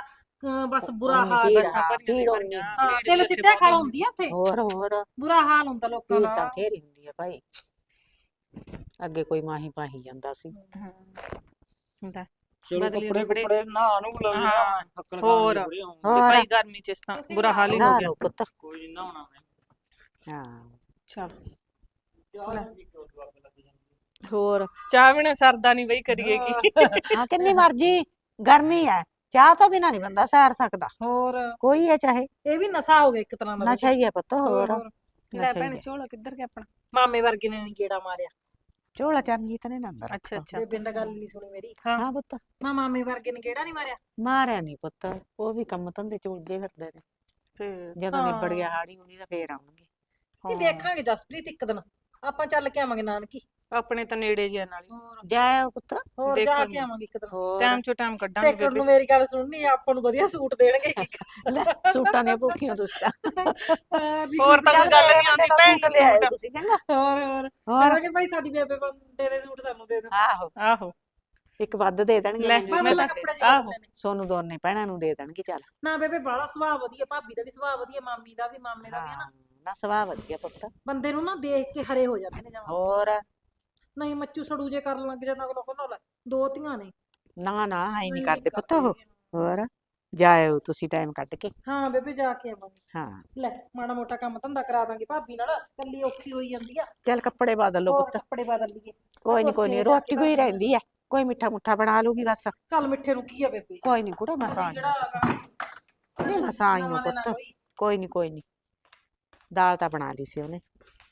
Speaker 5: ਅਹ ਬਸ ਬੁਰਾ
Speaker 4: ਉਨੀ
Speaker 5: ਹਾਲ
Speaker 4: ਭੀੜ,
Speaker 5: ਹੈ।
Speaker 6: ਬੱਸਾਂ
Speaker 4: ਹਾਂ,
Speaker 6: ਭਰੀਆਂ
Speaker 4: ਭੀੜ
Speaker 6: ਭਰੀਆਂ,
Speaker 5: ਹਾਂ
Speaker 6: ਭੀੜ
Speaker 5: ਤਿਲ
Speaker 6: ਵੀ ਉੱਥੇ
Speaker 5: ਸਿੱਟਿਆ
Speaker 6: ਬਹੁਤ
Speaker 5: ਖਾਲ ਹੁੰਦੀ ਆ ਉੱਥੇ,
Speaker 4: ਹੋਰ ਹੋਰ
Speaker 5: ਬੁਰਾ ਹਾਲ ਹੁੰਦਾ ਲੋਕਾਂ
Speaker 4: ਭੀੜ ਤਾਂ
Speaker 5: ਦਾ।
Speaker 4: ਬਥੇਰੀ ਹੁੰਦੀ ਆ ਭਾਈ। ਅੱਗੇ ਕੋਈ ਮਾਹੀ ਪਾਹੀ ਜਾਂਦਾ ਸੀ।
Speaker 6: ਹਾਂ ਹੁੰਦਾ
Speaker 3: ਚਲੋ
Speaker 6: ਬਦਲੀ
Speaker 3: ਕੱਪੜੇ
Speaker 6: ਕੱਪੜੇ।
Speaker 3: ਕੁੱਪੜੇ ਨਹਾ ਨੂੰ ਲਵੇ
Speaker 6: ਹਾਂ,
Speaker 3: ਹੱਕਲ
Speaker 6: ਹੋਰ।
Speaker 3: ਖਾਣੇ ਹੋਣਗੇ।
Speaker 6: ਤੇ
Speaker 4: ਹੋਰ
Speaker 6: ਭਾਈ ਗਰਮੀ ਚ ਇਸ ਤਾਂ
Speaker 1: ਤੁਸੀਂ
Speaker 6: ਬੁਰਾ ਹਾਲ ਹੀ ਹੋ
Speaker 4: ਨਾ
Speaker 6: ਗਿਆ
Speaker 4: ਲੋ ਪੁੱਤ।
Speaker 3: ਕੋਈ ਨੀ ਨਹਾਉਣਾ ਮੈਂ
Speaker 4: ਹਾਂ
Speaker 6: ਚਲ
Speaker 3: ਚਾਹ ਵੀ ਕਿਉਂ ਅੱਗ ਲੱਗ ਜਾਂਦੀ ਹੈ।
Speaker 4: ਹੋਰ
Speaker 6: ਚਾਹ ਬਿਨਾ ਸਰਦਾ ਨਹੀਂ ਬਈ ਕਰੀਏ ਕੀ
Speaker 4: ਹਾਂ ਕਿੰਨੀ ਮਰਜੀ ਗਰਮੀ ਹੈ, ਚਾਹ ਤੋਂ ਬਿਨਾਂ ਨਹੀਂ ਬੰਦਾ ਸੈਰ ਸਕਦਾ,
Speaker 5: ਹੋਰ
Speaker 4: ਕੋਈ ਹੈ ਚਾਹੇ।
Speaker 5: ਇਹ ਵੀ ਨਸ਼ਾ ਹੋ ਗਿਆ ਇੱਕ ਤਰ੍ਹਾਂ ਦਾ।
Speaker 4: ਨਸ਼ਾ ਹੀ ਹੈ ਪੁੱਤ। ਹੋਰ
Speaker 5: ਹੋਰ।
Speaker 6: ਲੈ
Speaker 4: ਨਸ਼ਾ ਹੀ
Speaker 6: ਭੈਣ
Speaker 4: ਹੈ।
Speaker 6: ਝੋਲਾ ਕਿੱਧਰ ਗਿਆ ਆਪਣਾ?
Speaker 5: ਮਾਮੇ ਵਰਗੇ ਨੇ ਨੀ ਗੇੜਾ ਮਾਰਿਆ।
Speaker 4: ਝੋਲਾ ਚਰਨਜੀਤ ਨੇ ਨਾ ਅੰਦਰ
Speaker 6: ਅੱਛਾ
Speaker 4: ਰੱਖਤਾ।
Speaker 6: ਅੱਛਾ
Speaker 5: ਬੇਬੇ ਨੇ ਤਾਂ ਗੱਲ ਨਹੀਂ ਸੁਣੀ ਮੇਰੀ।
Speaker 4: ਹਾਂ ਪੁੱਤ
Speaker 5: ਮਾਂ ਮਾਮੇ ਵਰਗੇ ਨੇ ਗੇੜਾ ਨਹੀਂ ਮਾਰਿਆ।
Speaker 4: ਮਾਰਿਆ ਨਹੀਂ ਪੁੱਤ, ਉਹ ਵੀ ਕੰਮ ਧੰਦੇ ਚ ਉਲਝੇ ਫਿਰਦੇ ਨੇ।
Speaker 6: ਫੇਰ
Speaker 4: ਜਦੋਂ ਨਿਬੜ
Speaker 5: ਹਾਂ।
Speaker 4: ਗਿਆ ਹਾੜੀ ਹੁਣੀ ਤਾਂ ਫੇਰ ਆਉਣਗੇ।
Speaker 5: ਨਹੀਂ ਦੇਖਾਂਗੇ ਜਸਪ੍ਰੀਤ ਇੱਕ ਦਿਨ ਆਪਾਂ ਚੱਲ ਕੇ ਆਵਾਂਗੇ ਨਾਨਕੀ।
Speaker 6: ਆਪਣੇ ਤਾਂ ਨੇੜੇ ਜਿਹਾ ਨਾਲ ਹੀ
Speaker 5: ਹੋਰ
Speaker 4: ਜਾਇਓ ਪੁੱਤ।
Speaker 5: ਹੋਰ ਜਾ
Speaker 6: ਦੇਖਾਂਗੇ।
Speaker 5: ਕੇ ਆਵਾਂਗੇ ਇੱਕ ਦਿਨ।
Speaker 4: ਹੋਰ
Speaker 6: ਟਾਈਮ ਚੋਂ ਟਾਈਮ ਕੱਢਾਂਗੇ
Speaker 5: ਸੇਕੜ ਨੂੰ
Speaker 6: ਬੇਬੇ।
Speaker 5: ਮੇਰੀ ਗੱਲ ਸੁਣਨੀ ਆ, ਆਪਾਂ ਨੂੰ ਵਧੀਆ ਸੂਟ ਦੇਣਗੇ ਇੱਕ।
Speaker 4: ਲੈ ਸੂਟਾਂ ਦੀਆਂ ਭੁੱਖੀਆਂ ਤੁਸੀਂ ਤਾਂ।
Speaker 5: ਹਾਂ, ਵੀ
Speaker 6: ਹੋਰ ਤਾਂ
Speaker 5: ਚੱਲ
Speaker 6: ਕੋਈ ਗੱਲ
Speaker 4: ਮੇਰੇ
Speaker 6: ਨਹੀਂ ਆਉਂਦੀ
Speaker 4: ਬੰਦੇ ਦਾ
Speaker 6: ਭੈਣ
Speaker 4: ਸੂਟ
Speaker 6: ਨੂੰ
Speaker 4: ਲਿਆਇਓ
Speaker 6: ਸੂਟ।
Speaker 4: ਤੁਸੀਂ ਚੰਗਾ।
Speaker 5: ਹੋਰ ਹੋਰ
Speaker 4: ਹੋਰ
Speaker 5: ਕਹਾਂਗੇ ਭਾਈ ਸਾਡੀ ਬੇਬੇ ਬੰਦੇ ਦੇ ਸੂਟ ਸਾਨੂੰ ਦੇ ਦਿਓ।
Speaker 4: ਆਹੋ
Speaker 6: ਆਹੋ
Speaker 4: ਇੱਕ ਵੱਧ ਦੇ ਦੇਣਗੇ
Speaker 6: ਲੈ,
Speaker 4: ਮੈਨੂੰ
Speaker 5: ਮੈਂ
Speaker 6: ਮੈਂ
Speaker 5: ਤਾਂ
Speaker 6: ਤਾਂ-
Speaker 5: ਕੱਪੜੇ ਜਿਹੇ
Speaker 6: ਆਹੋ।
Speaker 5: ਬਦਲਣੇ ਨੇ।
Speaker 4: ਸੋਨੂੰ ਦੋਨੇ ਭੈਣਾਂ ਨੂੰ ਦੇ ਦੇਣਗੇ ਚੱਲ।
Speaker 5: ਨਾ ਬੇਬੇ ਬਾਲਾ ਸੁਭਾਅ ਵਧੀਆ, ਭਾਬੀ ਦਾ ਵੀ ਸੁਭਾਅ ਵਧੀਆ, ਮਾਮੀ ਦਾ ਵੀ, ਮਾਮੇ ਦਾ ਵੀ ਹੈ ਨਾ।
Speaker 4: ਹਾਂ ਨਾ ਸੁਭਾਅ ਵਧੀਆ ਪੁੱਤ।
Speaker 5: ਬੰਦੇ ਨੂੰ ਨਾ ਦੇਖ ਕੇ ਹਰੇ ਹੋ ਜਾਂਦੇ ਨੇ ਜਮਾਂ।
Speaker 4: ਹੋਰ
Speaker 5: ਨਹੀਂ ਮੱਚੂ ਸੜੂ ਜੇ ਕਰਨ ਲੱਗ ਜਾਂਦਾ ਅਗਲਾ ਕਹਿੰਦਾ ਲੈ ਦੋ ਧੀਆਂ ਨੇ।
Speaker 4: ਨਾ ਨਾ ਐ ਨਹੀਂ
Speaker 5: ਨਹੀਂ
Speaker 4: ਕਰਦੇ ਪੁੱਤ ਉਹ।
Speaker 5: ਹੈਗੇ।
Speaker 4: ਹੋਰ ਜਾਇਓ ਤੁਸੀਂ ਟਾਈਮ ਕੱਢ ਕੇ।
Speaker 5: ਹਾਂ ਬੇਬੇ ਜਾ ਕੇ ਆਵਾਂਗੇ।
Speaker 4: ਹਾਂ
Speaker 5: ਲੈ ਮਾੜਾ ਮੋਟਾ ਕੰਮ ਧੰਦਾ ਕਰਾ ਦਾਂਗੇ ਭਾਬੀ ਨਾਲ, ਕੱਲੀ ਔਖੀ ਹੋਈ ਜਾਂਦੀ ਆ।
Speaker 4: ਚੱਲ ਕੱਪੜੇ ਬਦਲ ਲਓ
Speaker 5: ਹੋਰ
Speaker 4: ਪੁੱਤ।
Speaker 5: ਕੱਪੜੇ ਬਦਲ ਲਈਏ।
Speaker 4: ਕੋਈ ਨਹੀਂ ਕੋਈ
Speaker 5: ਰਸੋਈ
Speaker 4: ਨਹੀਂ
Speaker 5: ਜਾ ਕੇ
Speaker 4: ਰੋਟੀ ਕੋਈ
Speaker 5: ਕਰ ਲਾਂਗੇ।
Speaker 4: ਰਹਿੰਦੀ ਹੈ, ਕੋਈ ਮਿੱਠਾ ਮੁੱਠਾ ਬਣਾ ਲੂਗੀ ਬਸ।
Speaker 5: ਚੱਲ ਮਿੱਠੇ ਨੂੰ ਕੀ ਆ ਬੇਬੇ,
Speaker 4: ਕੋਈ ਨਹੀਂ ਕੁੜਾ ਮਸਾਂ
Speaker 5: ਅਸੀਂ
Speaker 4: ਆਈਓ ਤੁਸੀਂ। ਨਹੀਂ ਮਸਾਂ ਆਈਓ
Speaker 5: ਨਵਾਂ ਦਿਨ ਆ
Speaker 4: ਪੁੱਤ।
Speaker 5: ਕੋਈ।
Speaker 4: ਕੋਈ ਨਹੀਂ ਕੋਈ ਨਹੀਂ ਦਾਲ ਤਾਂ ਬਣਾ ਲਈ ਸੀ ਉਹਨੇ।